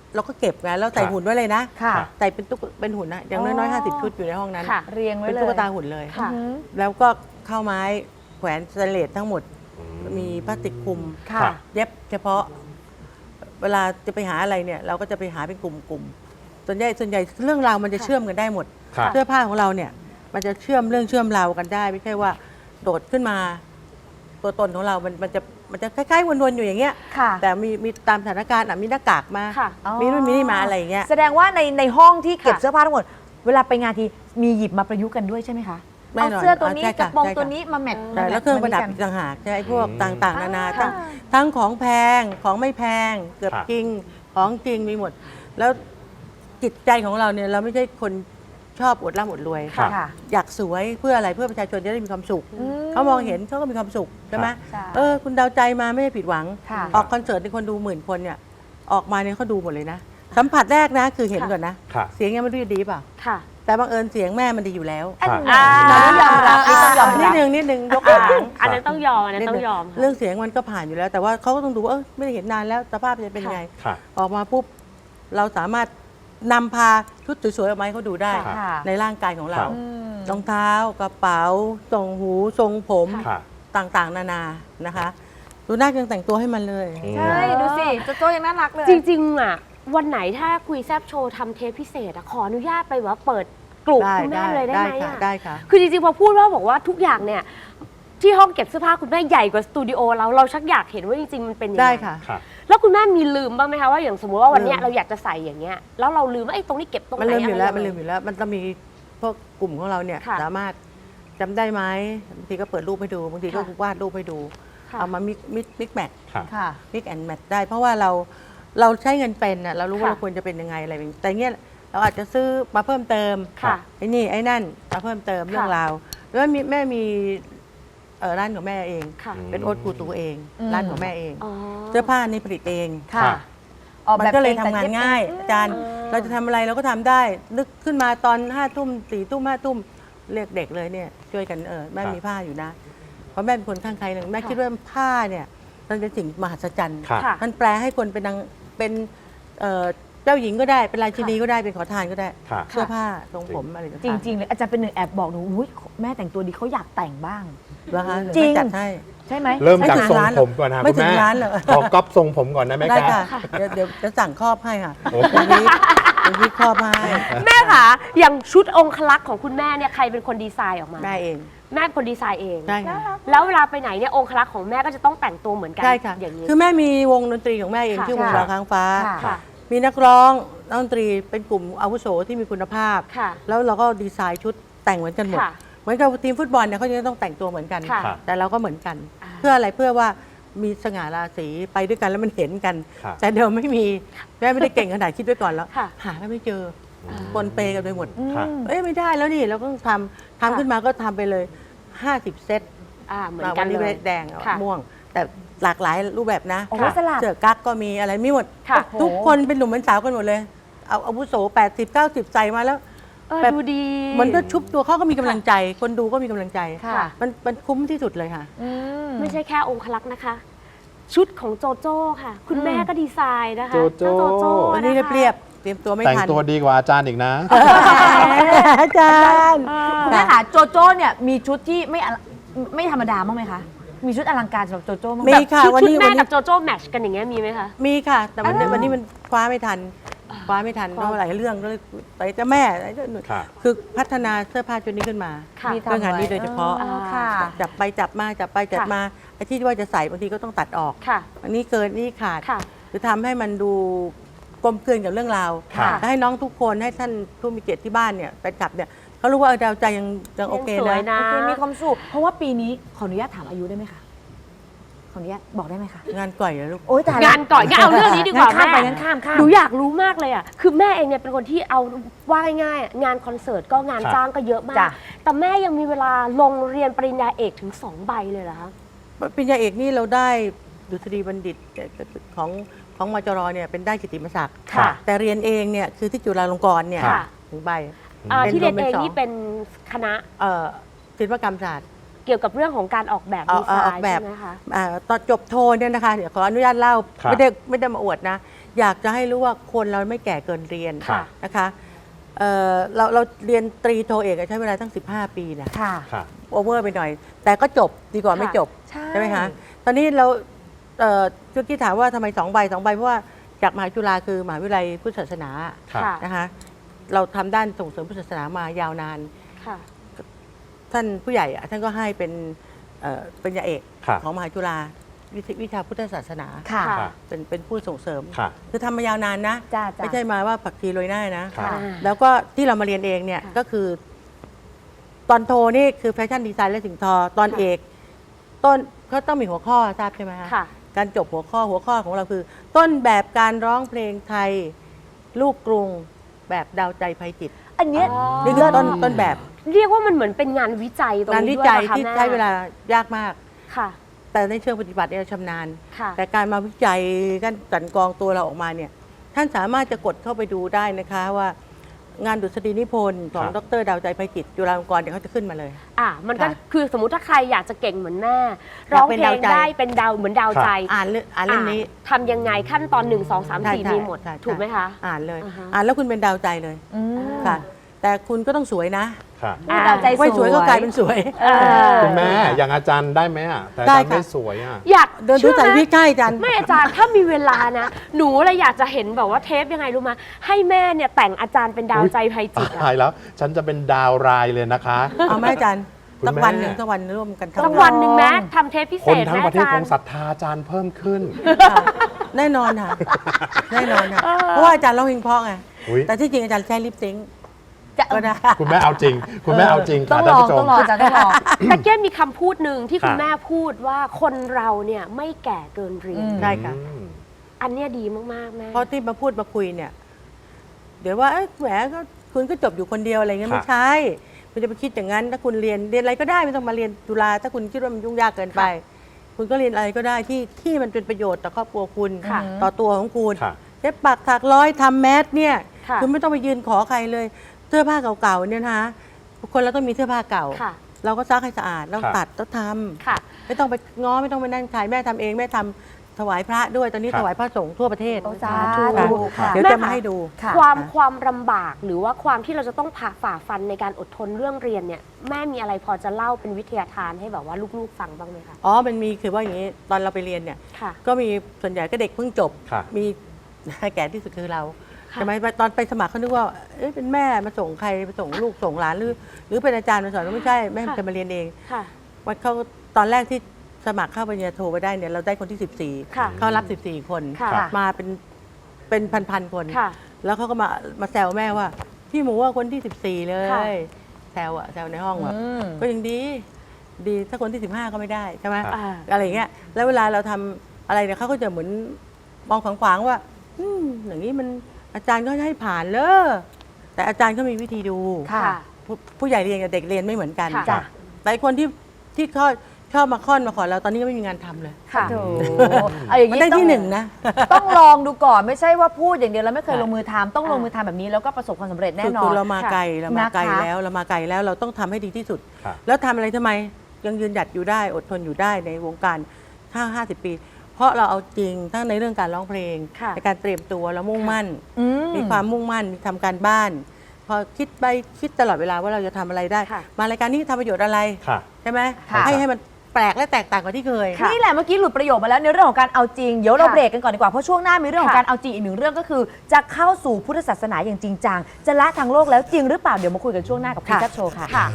S5: เราก็เก็บไงแล้วใส่
S3: ครับ
S5: หุ่นไว้เลยนะ
S2: ค่ะ
S5: ใส่เป็นตุ๊กเป็นหุ่นนะอย่าง
S2: อ๋
S5: น้อย
S2: อ
S5: ๆห้าสิบชุดอยู่ในห้องนั้น
S1: ค่ะ
S2: เรียงไว้
S5: เป็น
S2: เลย
S5: ตุ๊กตาหุ่นเลย
S1: ค่ะ
S2: อือหือ
S5: แล้วก็เข้าไม้แขวนสแตนเลสทั้งหมด มีพลาสติกคลุม
S2: ค่ะ
S3: ครับ
S5: เย็บเฉพาะ เวลาจะไปหาอะไรเนี่ย เราก็จะไปหาเป็นกลุ่มๆส่วนใหญ่ส่วนใหญ่เรื่องราวมันจะเชื่อมกันได้หมด
S3: ครับ
S5: เสื้อผ้าของเราเนี่ย มันจะเชื่อมเรื่องเชื่อมราวกันได้ ไม่ใช่ว่าโดดขึ้นมา ตัวตนของเรา มันมันจะมันจะคล้ายๆวนๆอยู่อย่างเงี้ย
S2: ค่ะ
S5: แต่มีมีตามสถานการณ์อ่ะมีหน้ากากมา
S1: ค่ะ
S2: อ๋อ
S5: มีนู่นมีนี่มาอะไรอย่างเงี้ย
S2: แสดงว่าในในห้องที่เก็บ
S1: ค่ะ
S2: เสื้อผ้าทั้งหมด เวลาไปงานทีมีหยิบมาประยุกต์กันด้วยใช่ไหมคะ
S5: แน่
S2: เอา
S5: นอน
S2: เสื้อตัวนี้
S5: อ่าใช่
S2: ก
S5: ค่ะ
S2: ระโปรง
S5: ใช่ค่ะ
S2: ตัวนี้มาแมท
S5: ใช่
S2: มาแมท
S5: แล้วเครื่องประดับ
S2: มา
S5: อี
S2: ด้วย
S5: ก
S2: กัน
S5: ต่างหากใช่พวก
S3: อืม
S5: ต่างๆ นานา
S2: อ่า
S5: ทั้งทั้งของแพงของไม่แพงเกือบ
S3: ครับ
S5: จริงของจริงมีหมด แล้วจิตใจของเราเนี่ยเราไม่ใช่คนชอบอวดร่ำอวดรวย
S3: ครับ
S2: ค่ะ
S5: อยากสวยเพื่ออะไรเพื่อประชาชนจะได้มีความสุข
S2: อืม
S5: เขามองเห็นเขาก็มีความสุขใช่ไหม
S2: ใช่
S5: เออคุณดาวใจมาไม่ได้ผิดหวัง
S2: ค่ะ
S5: ออกคอนเสิร์ตในคนดูหมื่นคนเนี่ยออกมาเนี่ยเขาดูหมดเลยนะ สัมผัสแรกนะคือเห็นก่อนนะ
S3: ครับ
S5: เสียงยังไม่รู้จะดีเปล่า
S1: ค่ะ
S5: แต่บังเอิญเสียงแม่มันดีอยู่แล้ว
S2: อัน
S3: ครับ
S2: ไหนเราต้องยอมรับนี่ต้องยอม
S5: นิ
S2: รั
S5: ด
S2: บ
S5: นึงนิดนึงยก
S1: อ่า
S5: ตัวอย่าง
S1: อันนั้นต้องยอมอันนั้นต้องยอมค่ะ
S5: เรื่องเสียงมันก็ผ่านอยู่แล้ว แต่ว่าเขาก็ต้องดูว่าเออไม่ได้เห็นนานแล้วสภาพจะเป็นยังไง
S3: ค่ะ
S5: ออกมาปุ๊บเราสามารถนำพาชุดสวยๆออกมาให้เขาดูได้
S2: ค่ะ
S5: ในร่างกายของเรา
S3: ครับ
S2: อืม
S5: รองเท้ากระเป๋าทรงหูทรงผม
S3: ค่ะ
S5: ต่างๆ นานานะคะ ดูหน้ายังแต่งตัวให้มันเลย
S2: ใช่ ดูสิโจโจ้ยังน่ารักเลย
S1: จริงๆอ่ะวันไหนถ้าคุยแซบโชว์ทำเทปพิเศษอะขออนุญาตไปว่าเปิดกลุ่ม
S5: ได้
S1: คุณแม่
S5: ได้
S1: เลยได้
S5: ได้
S1: ไหม
S5: ค่ะ
S1: อะ
S5: ได้ค่ะ
S1: คือจริงๆพอพูดว่าบอกว่าทุกอย่างเนี่ยที่ห้องเก็บเสื้อผ้าคุณแม่ใหญ่กว่าสตูดิโอเราเราชักอยากเห็นว่าจริงๆมันเป็นยังไง
S5: ได้ค่ะ
S3: ครับ
S1: แล้วคุณแม่มีลืมบ้างไหมคะว่าอย่างสมมติว่าวันเนี้ย
S5: ลืม
S1: เราอยากจะใส่อย่างเงี้ยแล้วเราลืมว่าไอ้ตรงนี้เก็บตรงไหน
S5: มันลืมอยู่แล้ว
S1: ะไร
S5: มันลื
S1: ยัง
S5: ม
S1: ไง
S5: อยู่แล้ว มันต้องมีพวกกลุ่มของเราเนี่ย
S1: ค่ะ
S5: สามารถจำได้ไหมบางทีก็เปิดรูปให้ดูบางทีก็
S1: ค่ะ
S5: วาดรูปให้ดู
S1: ค่ะ
S5: เอามามิกมิกมิกแมท
S3: ครับ
S2: ค่ะ
S5: มิกแอนแมทได้ เพราะว่าเราเราใช้เงินเป็นน่ะเรารู้ว่า
S1: ค่ะ
S5: เราควรจะเป็นยังไงอะไรแบบนี้แต่เงี้ยเราอาจจะซื้อมาเพิ่มเติม
S1: ค่ะ
S5: ไอ้นี่ไอ้นั่นมาเพิ่มเติมเรื่องราวแล้วมีแม่มีเอ่อร้านของแม่เอง
S1: ค่ะ
S5: เป็นโอ๊ตกูตูเอง
S2: อืม
S5: ร้านของแม่เอง
S1: อ๋อ
S5: เสื้อผ้านี่ผลิตเอง
S2: ค่ะ
S3: ค่ะ
S2: ออก
S5: มั
S2: แบบ
S5: นก็เลย
S2: อง
S5: ทำงาน
S2: แต่ย็บ
S5: ง่าย
S2: เอง
S5: อาจารย์
S1: อ่า
S5: เราจะทำอะไรเราก็ทำได้ นึกขึ้นมาตอนห้าทุ่มสี่ทุ่มห้าทุ่มเรียกเด็กเลยเนี่ยช่วยกันเออแม่
S3: ครับ
S5: มีผ้าอยู่นะ เพราะแม่เป็นคนข้างใครหนึ่งแม่คิดว่าผ้าเนี่ยมันเป็นสิ่งมหัศจรรย์
S3: ครับ
S1: ค่ะ
S5: มันแปลให้คนเป็นนางเป็นเอ่อเจ้าหญิงก็ได้เป็นราชินีก็ได้เป็นขอทานก็ได้
S3: ค่ะ
S5: เสื้อผ้าทรงผมอะไรต่างๆ
S2: จริง ๆ เลยอาจารย์เป็นหนึ่งแอบบอกหนูอุ้ยแม่แต่งตัวดีเขาอยากแต่งบ้าง
S5: นะคะ
S2: จริง
S5: ไม่จัดให้
S2: ใช่ไหม
S3: เริ่มจาก
S5: ไม่ถึง
S3: ทรง
S5: ร้านหร
S3: ผ
S5: อก
S3: มก่อนนะ
S5: ไม่
S3: คุณ
S5: ถึง
S3: แม่
S5: ร้านเหรอ
S3: ขอก๊อปทรงผมก่อนได้ไหม
S5: ได้
S3: คะ
S5: ค่ะเดี๋ยวเดี๋ยวจะสั่งครอบให้ค่ะ
S3: โอ้
S5: ตรงนี้ตรงนี้ครอบให้
S1: แม่ค่ะอย่างชุดองคลักษ์ของคุณแม่เนี่ยใครเป็นคนดีไซน์ออกมา
S5: ได้เอง
S1: แม่เป็นคนดีไซน์เอง
S5: ได้ค่ะ
S1: แล้วเวลาไปไหนเนี่ยองคลักษ์ของแม่ก็จะต้องแต่งตัวเหมือนกัน
S5: ใช่ค่ะ
S1: อย่างนี้
S5: คือแม่มีวงดนตรีของแม่เอง
S1: ค่ะ
S5: ชื่อวง
S2: ค่ะ
S5: ดาวค้างฟ้า
S2: ค่ะ
S1: ค่ะ
S5: มีนักร้องนักดนตรีเป็นกลุ่มอาวุโสที่มีคุณภาพ
S1: ค่ะ
S5: แล้วเราก็ดีไซน์ชุดแต่งเหมือนกันหมด
S1: ค่ะ
S5: เหมือนกับทีมฟุตบอลเนี่ยเขาจะต้องแต่งตัวเหมือนกัน
S1: ค่ะ
S5: แต่เราก็เหมือนกัน
S1: อ่า
S5: เพื่ออะไรเพื่อว่ามีสง่าราศีไปด้วยกันแล้วมันเห็นกัน
S3: ครับ
S5: แต่เดิมไม่มีแม่ไม่ได้เก่งขนาดคิดไว้ก่อนแล้ว
S1: ค่ะ
S5: หาก็ไม่เจอปนเปกันไปหมด
S2: อืม
S3: ค่ะ
S5: เอ้ยไม่ได้แล้วนี่เราก็ต้องทำทำขึ้นมาก็ทำไปเลยห้าสิบเซต
S1: อ่าเหมือน
S5: มา
S1: กั
S5: วัน นนี้
S1: เลย
S5: แดง
S1: ค่ะ
S5: ม่วง แต่หลากหลายรูปแบบนะ
S2: โอ้โหสลับ
S5: เสื้อกั๊กก็มีอะไรมีหมด
S1: ค่ะ
S5: ทุกคนเป็นหนุ่มเป็นสาวกันหมดเลย เอาอาวุโสแปดสิบ เก้าสิบใส่มาแล้ว
S1: เออ
S5: แบบ
S1: ดูดี
S5: เหมันก็ชุบตัวเขาก็มีกำลังใจ คนดูก็มีกำลังใจ
S2: ค่ะ
S5: มันมันคุ้มที่สุดเลยค่ะ
S2: อืม
S1: ไม่ใช่แค่องคลักษ์นะคะ ชุดของโจโจ้ค่ะ คุณแม่ก็ดีไซน์นะคะ
S3: โจโจ้
S1: เจ้าโจโจ้
S5: วันนี้
S1: นะคะ
S5: เรียบๆเตรียมตัวไม่
S3: แต่ง
S5: ทัน
S3: ตัวดีกว่าอาจารย์อีกนะ
S5: อาจารย์
S1: เออ
S2: คุณแม่ค่ะโจโจ้เนี่ยมีชุดที่ไม่อลังไม่ธรรมดาบ้างไหมคะ มีชุดอลังการสำหรับโจโจ้บ้างไหม
S5: มีค่ะ
S1: ชุด
S5: วัน
S1: ชุด
S5: นี้
S1: แม่
S5: วันนี้
S1: กับโจโจ้แมทช์กันอย่างเงี้ยมีไหมคะ
S5: มีค่ะ แต่วันนี้
S2: อ่า
S5: วันนี้มันคว้าไม่ทันคว้าไม่ทันเพราะว่าหลายเรื่องก็เลยไปเจ้าแม่อะไรเจ้าหนู
S3: ค่ะ
S5: คือพัฒนาเสื้อผ้าชุดนี้ขึ้นมา
S1: ค่ะ
S2: มี
S5: เรื่องงานนี้โดยเฉพาะ
S2: อ๋อค่ะ
S5: จับไปจับมาจับไปจับมาไอ้ที่ว่าจะใส่บางทีก็ต้องตัดออก
S1: ค่ะ
S5: อันนี้เกินนี่ขาด
S1: ค่ะ
S5: คือทำให้มันดูกลมกลืนกับเรื่องราว
S3: ค่ะ
S5: และให้น้องทุกคนให้ท่านผู้มีเกียรติที่บ้านเนี่ยไปกลับเนี่ยเขารู้ว่าเออดาวใจยังยังโอเค
S1: ยังสวย
S5: นะ
S1: นะ
S2: โอเคมีความสุขเพราะว่าปีนี้ขออนุญาตถามอายุได้ไหมคะ ขออนุญาตบอกได้ไหมคะ
S5: งานก่อยเหรอลูก
S2: โอ๊ยตาย
S1: งานก่อนงั้นเอาเรื่องนี้ดีกว่า
S2: ข้ามไป
S1: แม่
S2: งั้นข้ามข้าม
S1: หนูอยากรู้มากเลยอ่ะ คือแม่เองเนี่ยเป็นคนที่เอาว่าง่ายๆอ่ะงานคอนเสิร์ตก็งาน
S3: ครับ
S1: จ้างก็เยอะมาก
S2: จ้ะ
S1: แต่แม่ยังมีเวลาลงเรียนปริญญาเอกถึงสองใบเลยเหรอคะ
S5: ปริญญาเอกนี่เราได้ดุษฎีบัณฑิตของของมจรเนี่ยเป็นได้กิตติมศักดิ์
S1: ค่ะ
S5: แต่เรียนเองเนี่ยคือที่จุฬาลงกรณ์เนี่ย
S1: ค่ะ
S5: ถึงใบ
S1: อ่า
S5: เป็น
S1: ที่เรียน
S5: รวมเป็น
S1: เอง
S5: สอง
S1: นี่เป็นคณะ
S5: เอ่อศิลปกรรมศาสตร์
S1: เกี่ยวกับเรื่องของการออกแบบ
S5: เอา
S1: ดีไซ
S5: เอาออก
S1: น์
S5: แบบ
S1: ใช่ไหมคะ
S5: อ่าตอนจบโทเนี่ยนะคะเดี๋ยวขออนุญาตเล่า
S3: ครับ
S5: ไม่ได้ไม่ได้มาอวดนะอยากจะให้รู้ว่าคนเราไม่แก่เกินเรียน
S3: ค่ะ
S5: นะคะเอ่อเราเราเรียนตรีโทเอกใช้เวลาตั้งสิบห้าปีนะ
S2: ค่ะ
S3: ค่ะ
S5: โอเวอร์ไปหน่อย แต่ก็จบดีกว่าไม่จบ
S2: ใช่
S5: ไหมคะตอนนี้เราเอ่อชุกี้ถามว่าทำไมสองใบสองใบเพราะว่าจากมหาจุฬาคือมหาวิทยาลัยพุทธศาสนา
S3: ค่ะ
S1: ค่ะ
S5: นะคะเราทำด้านส่งเสริมพุทธศาสนามายาวนาน
S1: ค่ะ
S5: ท่านผู้ใหญ่อะท่านก็ให้เป็นเอ่อเป็นยาเอก
S3: ค่ะ
S5: ของมหาจุฬาวิทวิชาพุทธศาสนา
S2: ค่ะ
S1: ค่ะ
S3: ค่ะ
S5: เป็นเป็นผู้ส่งเสริม
S3: ค่ะ
S5: คือทำมายาวนานนะ
S2: จ้าจ้า
S5: ไม่ใช่มาว่าผักชีโรยหน้านะ
S3: ค่ะ
S1: อ่า
S5: แล้วก็ที่เรามาเรียนเองเนี่ย
S1: ค่ะ
S5: ก็คือ ตอนโทนี่คือแฟชั่นดีไซน์และสิ่งทอ ตอน
S1: ค่ะ
S5: เอกต้นเขาต้องมีหัวข้อทราบใช่ไหมคะ
S1: ค่ะ
S5: การจบหัวข้อหัวข้อของเราคือ ต้นแบบการร้องเพลงไทย ลูกกรุงแบบดาวใจภัยจิต
S2: อันเนี้ย
S1: อ๋อ
S5: นี่คือต้นต้นแบบ
S1: เรียกว่ามันเหมือนเป็นงานวิจัยตรง
S5: งาน
S1: นี้
S5: วิ
S1: ด้วย
S5: จัย
S1: เหรอคะ
S5: ที่
S1: แม่
S5: ใช้เวลายากมาก
S1: ค่ะ
S5: แต่ในเชิงปฏิบัติเนี่ยเราชำนาญ
S1: ค่ะ
S5: แต่การมาวิจัยการกลันกรองตัวเราออกมาเนี่ยท่านสามารถจะกดเข้าไปดูได้นะคะว่างานดุษฎีนิพนธ์ของ
S3: ครับ
S5: ดรดาวใจภัยจิตจุฬาลงกรณ์เดี๋ยวเขาจะขึ้นมาเลย
S1: อ่ะมันก็
S5: ค่ะ
S1: คือสมมติถ้าใครอยากจะเก่งเหมือนแม่
S5: อยาก
S1: ร้อง
S5: เป็น
S1: เพล
S5: ดาว
S1: ง
S5: ใจ
S1: ได้เป็นดาวเหมือนดาวใจ
S5: อ่านเรื่องอ่านเล่มนี้
S1: อ่ะทำยังไงขั้นตอนหนึ่งสองสาม
S5: ใช่
S1: สี่
S5: ใช่
S1: มีหมด
S5: ใช่ใช่
S1: ถูกไหมคะ
S5: อ่านเลย
S1: อ่าฮะ
S5: อ่านแล้วคุณเป็นดาวใจเลย
S2: อืม
S5: ค่ะ แต่คุณก็ต้องสวยนะ
S3: ค่ะ
S2: พูดดาวใจสวย
S5: ไม่สวยก็กลายเป็นสวย
S1: เออ
S3: คุณแม่ อย่างอาจารย์ได้ไหมอ่ะ แต่อา
S5: ได้
S3: จารย์
S5: ค่ะ
S3: ไม่สวยอ่ะ
S1: อยาก
S5: เดินดู
S1: เชื่อ
S5: ใส่
S1: ไหม
S5: พี่ใกล้จัน
S1: ไม่อาจารย์ถ้ามีเวลานะ หนูเลยอยากจะเห็นแบบว่าเทปยังไงรู้ไหมให้แม่เนี่ยแต่งอาจารย์เป็นดาวใจภัยจิต
S3: ตา
S1: อะ
S3: ยแล้ว ฉันจะเป็นดาวรายเลยนะคะ
S5: เอาไหมอาจารย์
S3: คุณ
S5: สัก
S3: แม่
S5: วันหนึ่งสักวันร่วมกันทำ
S1: สัก
S5: งา
S1: วันหนึ่งแม้ทำเทปพิเศ
S3: คน
S1: ษ
S3: ทั้ง
S1: แม่
S3: ประเทศ
S1: อา
S3: ค
S1: จารง ย์
S3: ศรัทธาอาจารย์เพิ่มขึ้น
S5: ค่ะแน่นอนค่ะ แน่นอนค่ะ เพราะว่าอาจารย์ร้องเพลงเพราะไง
S3: อุ๊ย
S5: แต่ที่จริงอาจารย์ใช้ลิปซิงค์
S2: จะ
S5: ก็ได้
S3: คุณแม่เอาจริง คุณแม่เอาจริง
S2: ต้
S3: ค่ะ
S2: อง
S3: ท่า
S2: ล
S3: น
S2: อง
S3: ผู้ช
S2: ต้อ
S3: ม
S2: งลองจ้ะต้องลอง
S1: แต่เก้มีคำพูดหนึ่งที่คุณ
S3: ค่ะ
S1: แม่พูดว่าคนเราเนี่ยไม่แก่เกินเรียน
S2: อืม
S5: ได้ค่ะ
S3: อืม
S1: อันเนี้ยดีมากๆแม่
S5: เพราะที่มาพูดมาคุยเนี่ย เดี๋ยวว่าเอ้ยแหมก็คุณก็จบอยู่คนเดียวอะไรเงี้ย
S3: ค่ะ
S5: ไม่ใช่คุณจะไปคิดอย่างนั้น ถ้าคุณเรียนเรียนอะไรก็ได้ไม่ต้องมาเรียนจุฬาถ้าคุณคิดว่ามันยุ่งยากเกินไป คุณก็เรียนอะไรก็ได้ที่ที่มันเป็นประโยชน์ต่อครอบครัวคุณ
S1: ค่ะ
S5: ต่อตัวของคุณ
S3: ค่ะ
S5: เย็บปักถักร้อยทำแมสเนี่ย
S1: ค่ะ
S5: คุณไม่ต้องไปยืนขอใครเลย เสื้อผ้าเก่าๆเนี่ยนะคะคนเราต้องมีเสื้อผ้าเก่า
S1: ค่ะ
S5: เราก็ซักให้สะอาดเรา
S3: ค่ะ
S5: ตัดต้องทำ
S1: ค่ะ
S5: ไม่ต้องไปง้อไม่ต้องไปนั่นขายแม่ทำเองแม่ทำถวายพระด้วยตอนนี้
S3: ครับ
S5: ถวายพระสงฆ์ทั่วประเทศ
S2: โอ้สา
S5: ค่ะ
S2: ธุค่ะ
S5: เดี๋ยว
S1: แม่
S5: จะมา
S1: ค่ะ
S5: ให้ดู
S2: ค่ะ
S1: ความความลำบากหรือว่าความที่เราจะต้องผ่าฝ่าฟันในการอดทนเรื่องเรียนเนี่ยแม่มีอะไรพอจะเล่าเป็นวิทยาทานให้แบบว่าลูกๆฟังบ้างไหมคะ
S5: อ๋อมันมีคือว่าอย่างนี้ตอนเราไปเรียนเนี่ย
S1: ค่ะ
S5: ก็มีส่วนใหญ่ก็เด็กเพิ่งจบ
S3: ค่ะ
S5: มี แก่ที่สุดคือเรา
S1: ค่ะ
S5: ใช่ไหมตอนไปสมัครเขาคิดว่าเอ๊ะเป็นแม่มาส่งใครมาส่งลูกส่งหลานหรือ หรือเป็นอาจารย์มาสอนไม่ใช่แม่จะมาเรียนเอง
S1: ค่ะ
S5: วันเขาตอนแรกที่สมัครเข้าปริญญาโทไปได้เนี่ยเราได้คนที่สิบสี่
S1: ค่ะ
S5: เขารับสิบสี่คน
S1: ค่ะ
S5: มาเป็นเป็นพันๆคน
S1: ค่ะ
S5: แล้วเขาก็มามาแซวแม่ว่า พี่หมูว่าคนที่สิบสี่เล
S1: ค่ะ
S5: ยแซวอะแซวในห้องแบบ
S2: อืม
S5: ก็ยังดี ดีถ้าคนที่สิบห้าก็ไม่ได้ใช่ไหม
S3: ครับ
S1: อ่า
S5: อะไรอย่างเงี้ยแล้วเวลาเราทำอะไรเนี่ยเขาก็จะเหมือนมองขวางๆว่าอืมอย่างนี้มันอาจารย์ก็ให้ผ่านเลยแต่อาจารย์ก็มีวิธีดู
S2: ค่ะ
S5: ผู้ผู้ใหญ่เรียนกับเด็กเรียนไม่เหมือนกัน
S1: ค่ะ
S2: จ้ะ
S5: แต่คนที่ที่เขาชอบมาค่อนมาขอเราตอนนี้ก็ไม่มีงานทำเลย
S1: ค่ะ
S2: โถเอาอย่าง
S5: มัน
S2: นี้
S5: ได้
S2: ต้อง
S5: ที่หนึ่งนะ
S2: ต้องลองดูก่อนไม่ใช่ว่าพูดอย่างเดียวแล้วไม่เคย
S5: ค่ะ
S2: ลงมือทำต้องลงมือทำแบบนี้แล้วก็ประสบความสำเร็จแน่
S5: คือน
S2: อ
S5: คือน เรามาไกลเรามาไกล
S2: นะคะ
S5: แล้วเรามาไกลแล้วเราต้องทำให้ดีที่สุด
S3: ค่ะ
S5: แล้วทำอะไรทำไมยังยืนหยัดอยู่ได้อดทนอยู่ได้ในวงการห้าห้าสิบปี เพราะเราเอาจริงทั้งในเรื่องการร้องเพลง
S1: ค่ะ
S5: ในการเตรียมตัวแล้วมุ่งมั่น
S2: อื
S5: มีความมุ่งมั่นมีทำการบ้าน พอคิดไปคิดตลอดเวลาว่าเราจะทำอะไรได้
S1: ค่ะ
S5: มารายการนี้ทำประโยชน์อะไร
S3: ค่ะ
S5: ใช่ไหม
S2: ค่ะ
S5: ให้ให้มันแปลกและแตกต่างกว่าที่เคย
S2: นี่แหละเมื่อกี้หลุดประโยคมาแล้วในเรื่องของการเอาจริงเดี๋ยวเรา
S1: ค่ะ
S2: เบรกกันก่อนดีกว่าเพราะช่วงหน้ามีเรื่องของ
S1: ค่ะ
S2: การเอาจริงอีกหนึ่งเรื่องก็คือ จะเข้าสู่พุทธศาสนาอย่างจริงจังจะละทางโลกแล้วจริงหรือเปล่าเดี๋ยวมาคุยกันช่วงหน้ากับคุย
S5: ค่ะ
S2: แซ่บโชว์ค่ะ
S1: ค่ะ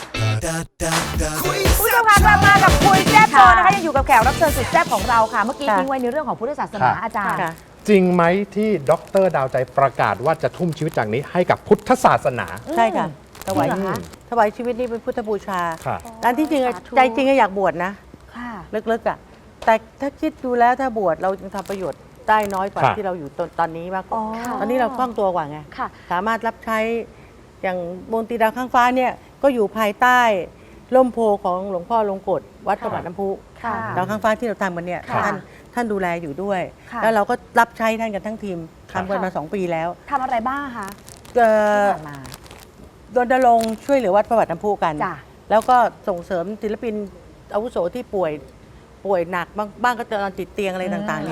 S2: ผู้ชมคะกลับมากับคุยแซ่บโชว์
S1: ค่ะ
S2: นะคะยังอยู่กับแขกรับเชิญสุดแซ่บของเราค่ะ เมื่อกี้
S5: ค่ะ
S2: ทิ้งไว้ในเรื่องของพุทธศาสนา
S3: ค่ะ
S2: อาจารย์
S5: ค่ะ
S3: จริงไหมที่ดรดาวใจประกาศว่าจะทุ่มชีวิตจากนี้ให้กับพุทธศาสนา
S5: ใช่ค่ะถวาย
S2: จริงเหรอคะ
S5: ถวายชีวิตนี่เป็นพุทธบูชา
S3: ค่ะ
S5: ร้านที่จริงอะ
S1: สาธุ
S5: ใจจริงก็อยากบวชนะ
S2: ค่ะ
S5: ลึกๆอ่ะแต่ถ้าคิดดูแล้วถ้าบวชเราจึงทำประโยชน์ได้น้อยกว่า
S3: ค่ะ
S5: ที่เราอยู่ตอนตอนนี้มากกว่า
S2: อ๋อ
S5: ตอนนี้เราคล่องตัวกว่าไง
S1: ค่ะ
S5: สามารถรับใช้อย่างบนตีดาวข้างฟ้าเนี่ยก็อยู่ภายใต้ร่มโพของหลวงพ่อลงกฎวัดประวัติน้ำพุ
S2: ค่ะ
S5: ดาวข้างฟ้าที่เราทำกันเนี่ย
S2: ค่ะ
S5: ท่านท่านดูแลอยู่ด้วย
S2: ค่ะ
S5: แล้วเราก็รับใช้ท่านกันทั้งทีม
S3: ค่ะ
S5: ทำกันมาสองปีแล้ว
S2: ทำอะไรบ้างคะ
S5: เอ่อ
S2: ที่ผ่านมา
S5: รณรงค์ช่วยเหลือวัดประวัติน้ำพุกัน
S2: จ้ะ
S5: แล้วก็ส่งเสริมศิลปินอาวุโสที่ป่วยป่วยหนักบ้างบ้างก็จะนอนติดเตียงอะไรต่างๆเนี่ย
S3: ค่ะ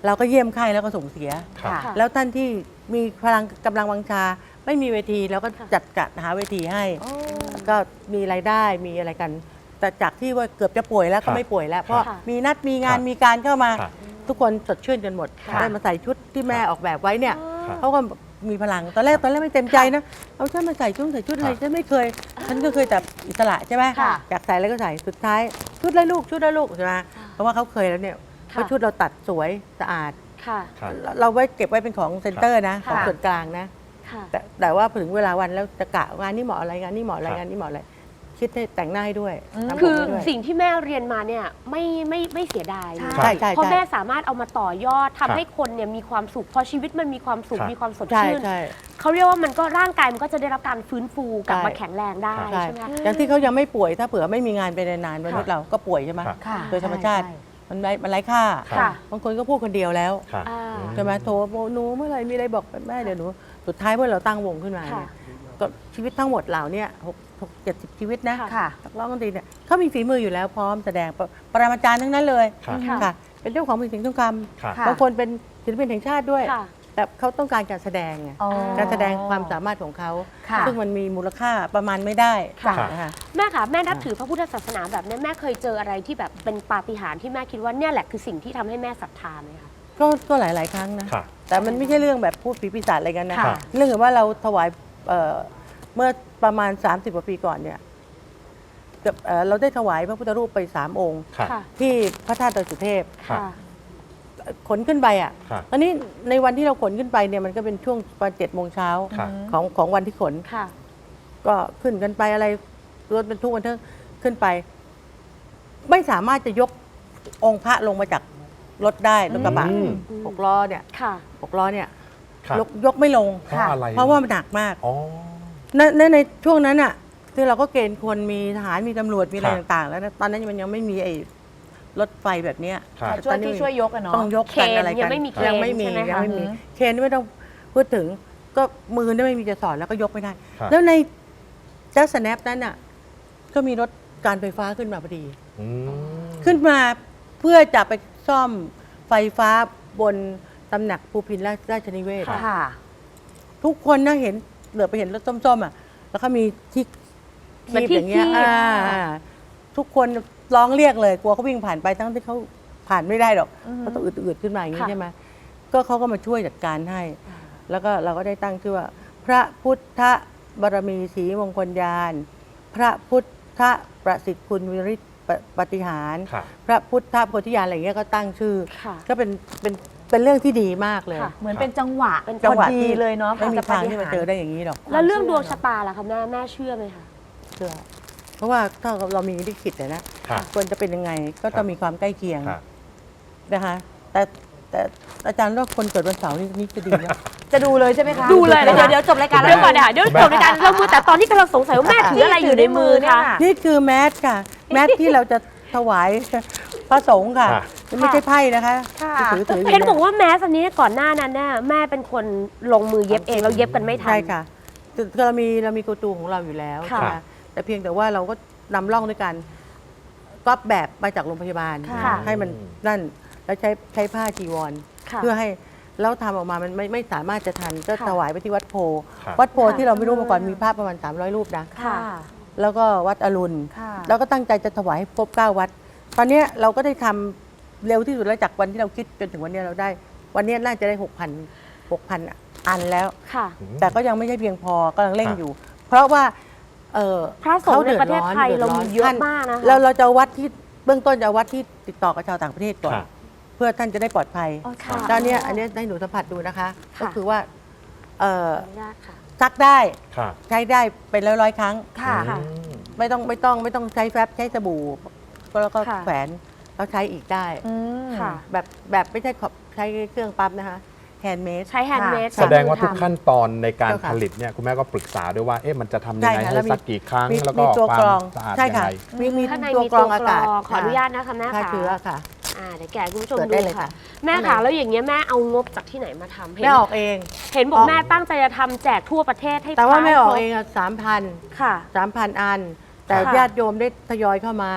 S5: เราก็เยี่ยมไข้แล้วก็ส่งเสีย
S3: ครับ
S2: ค่ะ
S5: แล้วท่านที่มีพลังกำลังวังชาไม่มีเวทีเราก็จัดจัดหาเวทีให้ ก็มีรายได้มีอะไรกัน แต่จากที่ว่าเกือบจะป่วยแล้ว
S3: ครั
S5: ก็
S3: บ
S5: ไม่ป่วยแล้ว เพราะ
S1: ค่ะ
S5: มีนัดมีงาน
S3: ครับ
S5: มีการเข้ามา
S3: ครับ
S5: ทุกคนสดชื่นกันหมด
S1: ค่ะ
S5: ได้มาใส่ชุดที่แม่ออกแบบไว้เนี่ย
S3: ครับ
S5: เขาก็มีพลังตอนแรกตอนแรกไม่เต็มใจนะเอาฉันมาใส่ชุดใส่ชุดอะไร
S3: ครับ
S5: ฉันไม่เคยฉันก็เคยแต่อิสระใช่ไหม
S2: ค่ะ
S5: อยากใส่อะไรก็ใส่สุดท้ายชุดไรลูกชุดไรลูกใช่ไหมเพราะว่าเขาเคยแล้วเนี่ยเพราะชุดเราตัดสวยสะอาด
S1: ค่ะ
S3: ครับ
S5: เราไว้เก็บไว้เป็นของเซ็นเตอร์นะของ
S1: ค่ะ
S5: ส่วนกลางนะ
S1: ค่ะ
S5: แต่แต่ว่าถึงเวลาวันแล้วจะกะงานนี้เหมาะอะไรงานนี้เหมาะอะไร
S3: ครับ
S5: งานนี้เหมาะอะไรคิดให้แต่งหน้าให้ด้วยทำผม
S1: คือ
S5: ให้ด้วย
S1: สิ่งที่แม่เรียนมาเนี่ยไม่ไม่ไม่เสียดายเลย
S5: ใช่ใช่
S1: เพราะ
S5: ใช่
S1: แม่สามารถเอามาต่อยอดทำ
S3: ครับ
S1: ให้คนเนี่ยมีความสุขพอชีวิตมันมีความสุข
S3: ครับ
S1: มีความสด
S5: ใช่
S1: ชื่น
S5: ใช่
S1: เขาเรียกว่ามันก็ร่างกายมันก็จะได้รับการฟื้นฟูกลับ
S5: ใช่
S1: มาแข็งแรงได้
S5: ใช่
S1: ใช่ไหมคะ
S5: อย่างที่เขายังไม่ป่วยถ้าเผื่อไม่มีงานไปนานๆมนุษย์เราก็ป่วยใช่ไหม
S3: ครับ
S2: ค่ะ
S5: โดยธรรมชาติ
S2: ใช่
S5: มันไร้มันไร้ค่า
S1: ค่ะ
S5: บางคนก็พูดคนเดียวแล้ว
S3: ครับ
S1: อ่า
S3: อืม
S5: ใช่ไหมโทรบอกหนูเมื่อไหร่มีอะไรบอกแม่เดี๋ยวหนูสุดท้ายเมื่อเราตั้งวงขึ้นมา
S1: ค่ะ
S5: เนี่ยก็ชีวิตทั้งหมดเหล่าเนี้หกหกเจ็ดสิบชีวิตนะ
S1: ค่ะ
S2: ค่ะ
S5: นักร้องดนตรีเนี่ยเขามีฝีมืออยู่แล้วพร้อมแสดงปรปรมาจารย์ทั้งนั้นเลย
S3: ครับ
S5: ค่ะ เป็นเจ้าของเพลงเสียงทองค
S3: ครับ
S2: ค่ะ
S5: ำบางคนเป็นศิลปินแห่งชาติด้วย
S1: ค่ะ
S5: แต่เขาต้องการการแสดงไง
S2: อ๋อ
S5: การแสดงความสามารถของเขา
S2: ค่ะ
S5: ซึ่งมันมีมูลค่าประมาณไม่ได้
S1: ค่ะ
S5: นะคะ
S1: แม่คะแม่นับถือพระพุทธศาสนาแบบนี้แม่เคยเจออะไรที่แบบเป็นปาฏิหาริย์ที่แม่คิดว่าเนี่ยแหละคือสิ่งที่ทำให้แม่ศรัทธาไหมคะ
S5: ก็ก็หลาย ๆ ครั้งนะ
S3: ครับ
S5: แต่มันไม่ใช่เรื่องแบบพูดผีปีศาจอะไรกันนะ
S1: ค่ะ
S5: เรื่องว่าเราถวายเอ่อเมื่อประมาณ สามสิบ กว่าปีก่อนเนี่ยกับเอ่อเราได้ถวายพระพุทธรูปไปสามองค์
S3: ครับ
S1: ค่ะ
S5: ที่พระธาตุดอยสุเทพ
S3: ครับ
S1: ค่ะ
S5: ขนขึ้นไปอ่ะ
S3: ครับ
S5: ตอนนี้ในวันที่เราขนขึ้นไปเนี่ยมันก็เป็นช่วงประมาณเจ็ดโมงเช้า
S3: ครับ
S5: ของของวันที่ขน
S1: ค่ะ
S5: ก็ขึ้นกันไปอะไรรถบรรทุกกันเถอะขึ้นไป ไม่สามารถจะยกองค์พระลงมาจากรถได้รถกระบะ
S3: อืม
S5: หกล้อเนี่ย
S1: ค่ะ
S5: หกล้อเนี่ย
S3: ครับ
S5: ยกยกไม่ลง
S3: เพราะอะไร
S5: เพราะว่ามันหนักมาก
S3: อ๋อ
S5: ในในในช่วงนั้นอ่ะคือเราก็เกณฑ์คนมีทหารมีตำรวจมีอะไร
S3: ครับ
S5: ต่างๆ แล้วนะตอนนั้นมันยังไม่มีไอ้รถไฟแบบเนี้ย
S3: ครับ
S2: ช่วยที่ช่วยยกอะเนาะ
S5: ต้องยก
S1: เค
S5: กัน
S1: น
S5: อะไรกัน
S1: ยังไม่มีเค
S5: ยัง
S1: น
S5: ไม่มี
S1: ใช่ไหม
S5: ยัง
S1: คะ
S5: ไม่มี
S2: อืม
S5: เคนไม่ต้องพูดถึง ก็มือนี่ไม่มีจะสอนแล้วก็ยกไม่ได้
S3: ครับ
S5: แล้วในเจ้าสแนปนั้นอ่ะก็มีรถการไฟฟ้าขึ้นมาพอดี
S3: อืม
S5: ขึ้นมาเพื่อจะไปซ่อมไฟฟ้าบนตำหนักภูพินราชราชนิเวศน์
S2: ค่ะ
S5: ทุกคนนะเห็นเหลือไปเห็นรถส้มๆอ่ะ แล้วก็มีที่
S1: เหมือน
S5: คีบ
S1: ที่
S5: อย่างเงี้ย
S1: คีบ
S5: อ่าทุกคนร้องเรียกเลยกลัวเขาวิ่งผ่านไปทั้งที่เขาผ่านไม่ได้หรอก
S2: อือฮึ
S5: เขาต้องอืดๆขึ้นมาอย่างนี้
S1: ค่ะ
S5: ใช่ไหมก็เขาก็มาช่วยจัดการให้ แล้วก็เราก็ได้ตั้งชื่อว่า พระพุทธบารมีศรีมงคลญาณพระพุทธประสิทธิ์คุณวิริตปฏิหาร
S3: ครับ
S5: พระพุทธโพธิญาณอะไรเงี้ยก็ตั้งชื่อ
S1: ค่ะ
S5: ก็เป็นเป็นเป็นเรื่องที่ดีมากเลย
S1: ค่ะ
S2: เหมือนเป็นจังหวะ
S1: เป็น
S5: จังหวะ
S2: พอดี
S5: ที่
S2: เลยเนาะ
S5: ไม่มี
S2: จะ
S5: ทางที่มาเจอ
S2: ปฏิหร
S5: ได้อย่างนี้หรอก
S1: แล้วเรื่องดวงชะตาล่ะคะแม่แม่เชื่อไหมคะ
S5: เชื่อเพราะว่าถ้าเรามีลิขิตอะนะครับ ควรจะเป็นยังไงก็ต้องมีความใกล้เคียง
S3: ครับ
S5: นะคะแต่แต่อาจารย์ว่าคนเกิดวันเสาร์นี่นี่จะดีนะ
S2: จะดูเลยใช่ไหมคะ
S1: ดูเลย
S2: เดี๋ยวเดี๋ยวจบรายการ
S1: เดี๋ยวก่อนเดี๋ยวเดี๋ยวจบรายการเรามือแต่ตอนนี้กำลังสงสัยว่าแม่ถืออะไรอยู่ในมือคะ
S5: นี่คือแมสค่ะ แมสที่เราจะถวายพระสงฆ์ค่ะ
S3: ค่ะ
S5: ไม่ใช่ไพ่นะคะ
S2: ค่ะ
S5: ที่ถือถืออยู่
S1: เห็นบอกว่าแมสอันนี้ก่อนหน้านั้นน่ะแม่เป็นคนลงมือเย็บเองเราเย็บกันไม่ทัน
S5: ใช่ค่ะคือคือเรามีเรามีกูตูของเราอยู่แล้ว
S1: ค่ะ
S5: ใช่ไหมแต่เพียงแต่ว่าเราก็นำร่องด้วยกันก๊อปแบบมาจากโรงพยาบาล
S1: ค่ะ
S5: ให้มันนั่นแล้วใช้ใช้ผ้าจีวร
S1: ค่ะ
S5: เพื่อให้แล้วทำออกมามันไม่ไม่สามารถจะทันก็
S1: ค่ะ
S5: ถวายไปที่วัดโพ
S3: ครับ
S5: วัดโพ
S1: ค่ะ
S5: ที่เราไม่รู้มาก่อนมีภาพประมาณสามร้อยรูปนะ
S1: ค่ะ
S5: แล้วก็วัดอรุณ
S2: ค่ะ
S5: แล้วก็ตั้งใจจะถวายให้ครบเก้าวัด ตอนเนี้ยเราก็ได้ทำเร็วที่สุดแล้วจากวันที่เราคิดจนถึงวันเนี้ยเราได้ วันเนี้ยน่าจะได้หกพันหกพันอันแล้ว
S1: ค่ะ
S5: แต่ก็ยังไม่ใช่เพียงพอกำลังเร่ง
S3: ครับ
S5: อยู่ เพราะว่าเอ่อ
S1: พระสงฆ์ในประเทศไทย
S5: ดือด
S1: เรา
S5: ร้
S1: มี
S5: น
S1: เยอะ
S5: ท่น
S1: มากนะคะ
S5: เราเราจะเอาวัดที่เบื้องต้นจะเอาวัดที่ติดต่อกับชาวต่างประเทศก่อน
S3: ครับ
S5: เพื่อท่านจะได้ปลอดภัย
S2: อ๋อค่ะ
S5: ด้านเนี้ยอันเนี้ยให้หนูสัมผัสดูนะคะ
S1: ค่ะ
S5: ก็คือว่าเอ่อ
S1: ขออนุญาตค่ะ
S5: ซักได้
S3: ครับ
S5: ใช้ได้เป็นร้อยร้อยๆครั้ง
S2: ค่ะ
S1: ค่ะ
S3: อืม
S5: ไม่ต้องไม่ต้องไม่ต้องใช้แฟบใช้สบู่ก็แล้วก็
S1: ค่ะ
S5: แขวนแล้วใช้อีกได้
S2: อืม
S1: ค่ะ
S5: แบบแบบไม่ใช่ขอบใช้เครื่องปั๊มนะคะแฮนด์เมด
S1: ใช้แฮนด์เมด
S3: แสดงว่าทุกขั้นตอนในการ
S5: เจ้าค่ะ
S3: ผลิตเนี่ยคุณแม่ก็ปรึกษาด้วยว่าเอ๊ะมันจะทำยัง
S5: ใช่
S3: ไง
S5: ค่ะ
S3: ให้
S5: แล้วมี
S3: สักกี่ครั้ง
S5: มี
S3: แล้วก็
S5: มีตัว
S3: ควาก
S5: ร
S3: ม
S5: อง
S3: สะอาด
S5: ใช่
S3: ยัง
S5: ค่ะ
S3: ไง
S5: มีมี
S1: ข้างใน
S5: ตัว
S1: มี
S5: กรองอากาศ
S1: ขออนุญาตนะคะแม่
S5: ฆ่า
S1: ค่ะ
S5: เชื้อค่ะ
S1: อ่าเดี๋ยวแกคุณผู้ชม
S5: เปิด
S1: ดู
S5: ได้เลย
S1: ค่ะ
S5: ค่ะ
S1: แม่ค่ะแล้วอย่างเงี้ยแม่เอางบจากที่ไหนมาทำเห็น
S5: ไม่ออกเอง
S1: เห็นบอ
S5: อก อก
S1: แม่ตั้งใจจะทำแจกทั่วประเทศให้
S5: แต่ว่า
S1: พระ
S5: ไม่ออก
S1: ครบ
S5: เองอะสามพัน
S1: ค่ะ
S5: สามพันอัน แต่
S1: ค่ะ
S5: ญาติโยมได้ทยอยเข้ามา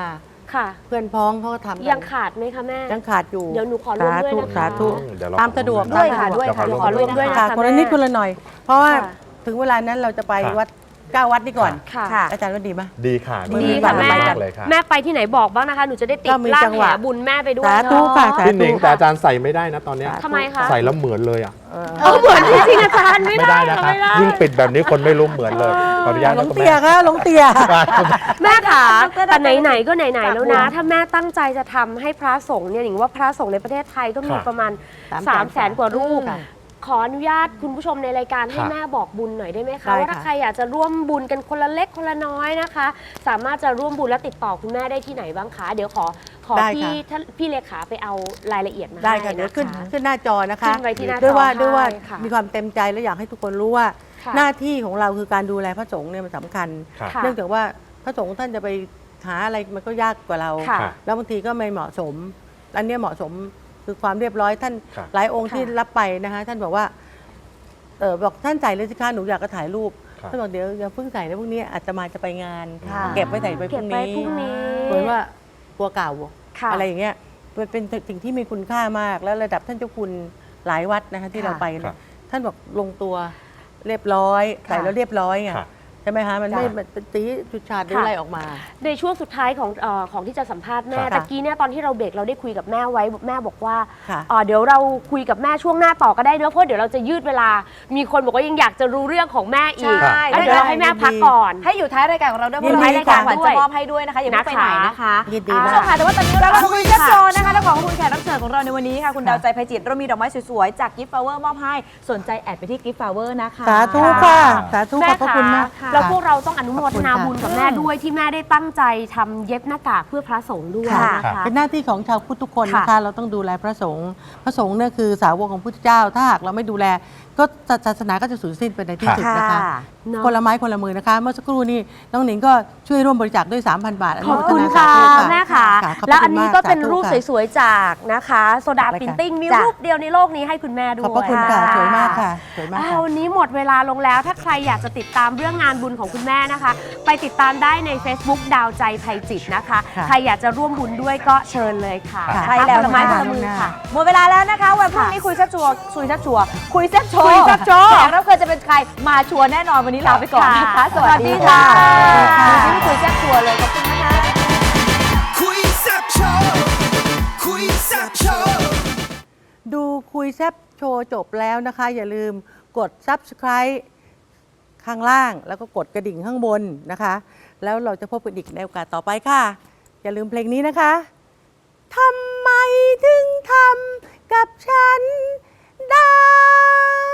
S1: ค่ะ
S5: เพื่อนพ้องเขาก็ทำกัน
S1: ยังขาดไหมคะแม่
S5: ยังขาดอยู่
S1: เดี๋ยวหนูขอร่วมด้วยนะคะ
S5: สาธุ
S3: เดี๋ยวเรา
S5: ตามสะดวก
S1: ด้วยค่ะ
S5: ตามสะ
S1: ด้วยค่ะ
S3: เดี๋
S1: เดี๋ยว วขอ
S3: ยขอร่
S1: ร่ว
S3: ว
S1: ม
S3: ม
S1: ด้วย
S5: ค่ะ
S1: ค่ะ
S5: คนละนิดคนละหน่อย เพราะว่า
S1: ค่ะ
S5: ถึงเวลานั้นเราจะไป
S3: ค่ะ
S5: วัดเก้าวัดนี่ก่อน
S1: ค่ะ
S2: ค่ะ
S5: อาจารย์ว่าดีไหม
S3: ดีค่ะ
S5: ดี
S1: ดี
S5: ค่ะ
S1: ค่ะแม่
S5: ไป
S3: เลยค่ะ
S1: แม่ไปที่ไหนบอกบ้างนะคะ หนูจะได้ติด
S5: ก็มี
S1: ล่า
S5: จั
S1: ง
S5: งห
S1: แห
S5: วะ
S1: บุญแม่ไปด้วย
S5: สาธุค่ะสา
S3: พี่ห
S5: ธุ
S3: นิงแต่อาจารย์ใส่ไม่ได้นะตอนเนี้ย
S1: ทำไมคะ
S3: ใส่แล้วเหมือนเลยอ่ะ
S5: เออ
S1: เออเหมือนจริงๆอาจารย์ไม่
S3: ไม่
S1: ได้
S3: ได้นะคะ
S1: ไม่ได้
S3: ยิ่งปิดแบบนี้คนไม่รู้เหมือนเลยขออนุญาต
S5: หล
S3: นะ
S5: ง
S3: คุณ
S5: เตี
S3: แม่
S5: ยค่ะหลงเตีย
S1: แม่ค่ะ
S2: ดร
S1: แต่ไหนๆก็ไหนๆแล้วนะ
S2: ค่ะ
S1: ถ้าแม่ตั้งใจจะทำให้พระสงฆ์เนี่ยหนิงว่าพระสงฆ์ในประเทศไทยก็มี
S3: ค่ะ
S1: ประมาณ
S5: สาม
S1: 3 0 0แสนกว่ารูป
S5: ค่ะ
S1: ขออนุญาตคุณผู้ชมในรายการให้
S3: ค่ะ
S1: แม่บอกบุญหน่อยได้ไหมคะ
S5: ได้
S1: ว่าถ้า
S5: ค่ะ
S1: ใครอยากจะร่วมบุญกันคนละเล็กคนละน้อยนะคะ สามารถจะร่วมบุญและติดต่อคุณแม่ได้ที่ไหนบ้างคะ เดี๋ยวขอขอ
S5: ได้
S1: พี่
S5: ค่ะ
S1: ท่านพี่เลขาไปเอารายละเอียดมา
S5: ได้
S1: ให้
S5: ค่ะเดี๋ยว
S1: นะ
S5: ขึ้น
S1: คะ
S5: ขึ้นหน้าจอนะคะ
S1: ขึ้นไว้ที่หน้าจอ
S5: ด้วยว่าด้วยว่า
S1: ให้ค่ะ
S5: มีความเต็มใจและอยากให้ทุกคนรู้ว่า
S1: ค่ะ
S5: หน้าที่ของเราคือการดูแลพระสงฆ์เนี่ยมันสำคัญ
S3: ค่ะ
S1: ค่ะ
S5: เนื่องจากว่าพระสงฆ์ท่านจะไปหาอะไรมันก็ยากกว่าเรา
S1: ค่ะ
S3: ค่ะ
S5: แล้วบางทีก็ไม่เหมาะสม อันเนี้ยเหมาะสมคือความเรียบร้อยท่าน
S3: ค่ะ
S5: หลายองค์
S1: ค่ะ
S5: ที่รับไปนะคะท่านบอกว่าเออบอกท่านใส่เลยสิคะหนูอยากจะถ่ายรูป
S3: ค่ะ
S5: ท่านบอกเดี๋ยวอย่าเพิ่งใส่นะพวกนี้อาจจะมาจะไปงาน
S2: ค่ะ
S5: เก็บไว้ใส่ไปพ
S1: เก็
S5: รุ่
S1: บ
S5: ง
S1: ไว้
S5: นี้
S1: พรุ่งนี้
S5: เหมือนว่ากลัวเก่า
S1: ค่ะ
S5: อะไรอย่างเงี้ยมันเป็นสิ่งที่มีคุณค่ามาก แล้วระดับท่านเจ้าคุณหลายวัดนะคะที่
S1: ค่ะ
S5: เราไป
S3: ครั
S5: เนี่ย
S3: บ
S5: ท่านบอกลงตัวเรียบร้อยใส่แล้วเรียบร้อยไง
S3: ค่ะ
S5: ใช่ไหมคะมันไม่
S3: ค่ะ
S5: มันเป็นตีจุดฉาดหรืออะไรออกมา
S1: ในช่วงสุดท้ายของเออของที่จะสัมภาษณ์แม่
S3: ค่ะ
S1: ตะกี้เนี่ยตอนที่เราเบรกเราได้คุยกับแม่ไว้แม่บอกว่า
S5: ค่ะ
S1: เอ่อเดี๋ยวเราคุยกับแม่ช่วงหน้าต่อก็ได้เนอะเพราะเดี๋ยวเราจะยืดเวลา มีคนบอกว่ายังอยากจะรู้เรื่องของแม่อีก
S2: ใช่
S1: แล้วเดี๋ยวเราให้แม่พักก่อน
S2: ให้อยู่ท้ายรายการของเราด้วยเพ
S5: ยิน
S2: ราะ
S5: ดี
S2: ท้ายรายการ
S5: ค่ะ
S2: ขวัญจะมอบให้ด้วยนะคะอย่าเพิ่งไปไหนนะคะ
S5: ยินดี
S2: คุณ
S5: มา
S2: ผู้ช
S5: ก
S2: มค่ะแต่ว่าตอนนี้เราคุยแซ่บโชว์นะคะและของคุณแขกรับเชิญของเราในวันนี้ค่ะคุณดาวใจไพจิตรเรามีดอกไม้สวยๆจาก Gift Flower มอบให้สนใจแอดไปที่ Gift Flower นะคะ
S5: สาธุค่ะสาธุข
S1: แม่
S5: อบพระคุณมาก
S1: แล้วพวกเราต้องอนุโมทนา
S5: ขอบคุณค่ะ
S1: บุญกับแม่ด้วยที่แม่ได้ตั้งใจทำเย็บหน้ากากเพื่อพระสงฆ์ด้วย
S5: ค่ะ
S1: นะคะ
S5: เป็นหน้าที่ของชาวพุทธทุกคนนะ
S1: ค่ะ
S5: คะ เราต้องดูแลพระสงฆ์พระสงฆ์เนี่ยคือสาวกของพุทธเจ้า ถ้าหากเราไม่ดูแลก็ศาสนาก็จะสูญสิ้นไปในที่สุดนะคะ
S1: เนอะ
S5: คนละไม้คนละมือนะคะ เมื่อสักครู่นี้น้องหนิงก็ช่วยร่วมบริจาคด้วย สามพัน บาท
S1: ขอบคุณ
S5: นุโมท
S1: ค่ะ
S5: นาสาธุ
S1: แม่ค่ะ
S5: ขบ
S1: แล้วอัน
S5: คุณ
S1: นี้
S5: มาก
S1: ก็เป็น
S5: สาธุ
S1: รูป
S5: ค่ะ
S1: สวยๆจากนะคะโซดา
S5: อะไรคะ
S1: พินติ้งมี
S2: จ้ะ
S1: รูปเดียวในโลกนี้ให้คุณแม่ด้วย
S5: ขอบพระคุณค่ะสวยมากค่ะสวยมาก
S1: อ้า
S5: ค่ะ
S1: ววันนี้หมดเวลาลงแล้ว ถ้าใครอยากจะติดตามเรื่องงานบุญของคุณแม่นะคะ ไปติดตามได้ใน Facebook ดาวใจไพจิตรนะคะ
S5: ค่ะ
S1: ใครอยากจะร่วมบุญด้วยก็เชิญเลยค่ะ
S5: ค่ะ
S2: ใช่แล้ว
S1: ผลไม้
S2: ค่ะ
S1: ผลมือค่ะ
S2: หมดเวลาแล้วนะคะวันพรุ่งนี้คุยแซ่บชัวร์คุยแซ่บชัวร์คุยแซ่บโชว์
S1: คุยแซ่บโชว์
S2: แขกรับเชิญจะเป็นใครมาชัวร์แน่นอนวันนี้ลาไปก่อนนะคะ
S1: ค่ะ
S2: สวัสดีค่ะ
S1: สวัสดีค่ะ
S2: วันนี้คุยแซ่บชัวร์เลยขอบคุณนะคะ
S4: คุยแซ่บโชว์คุยแซ่บโชว์
S5: ดูคุยแซบโชว์จบแล้วนะคะ อย่าลืมกด Subscribe ข้างล่างแล้วก็กดกระดิ่งข้างบนนะคะ แล้วเราจะพบกันอีกในโอกาสต่อไปค่ะ อย่าลืมเพลงนี้นะคะทำไมถึงทำกับฉันได้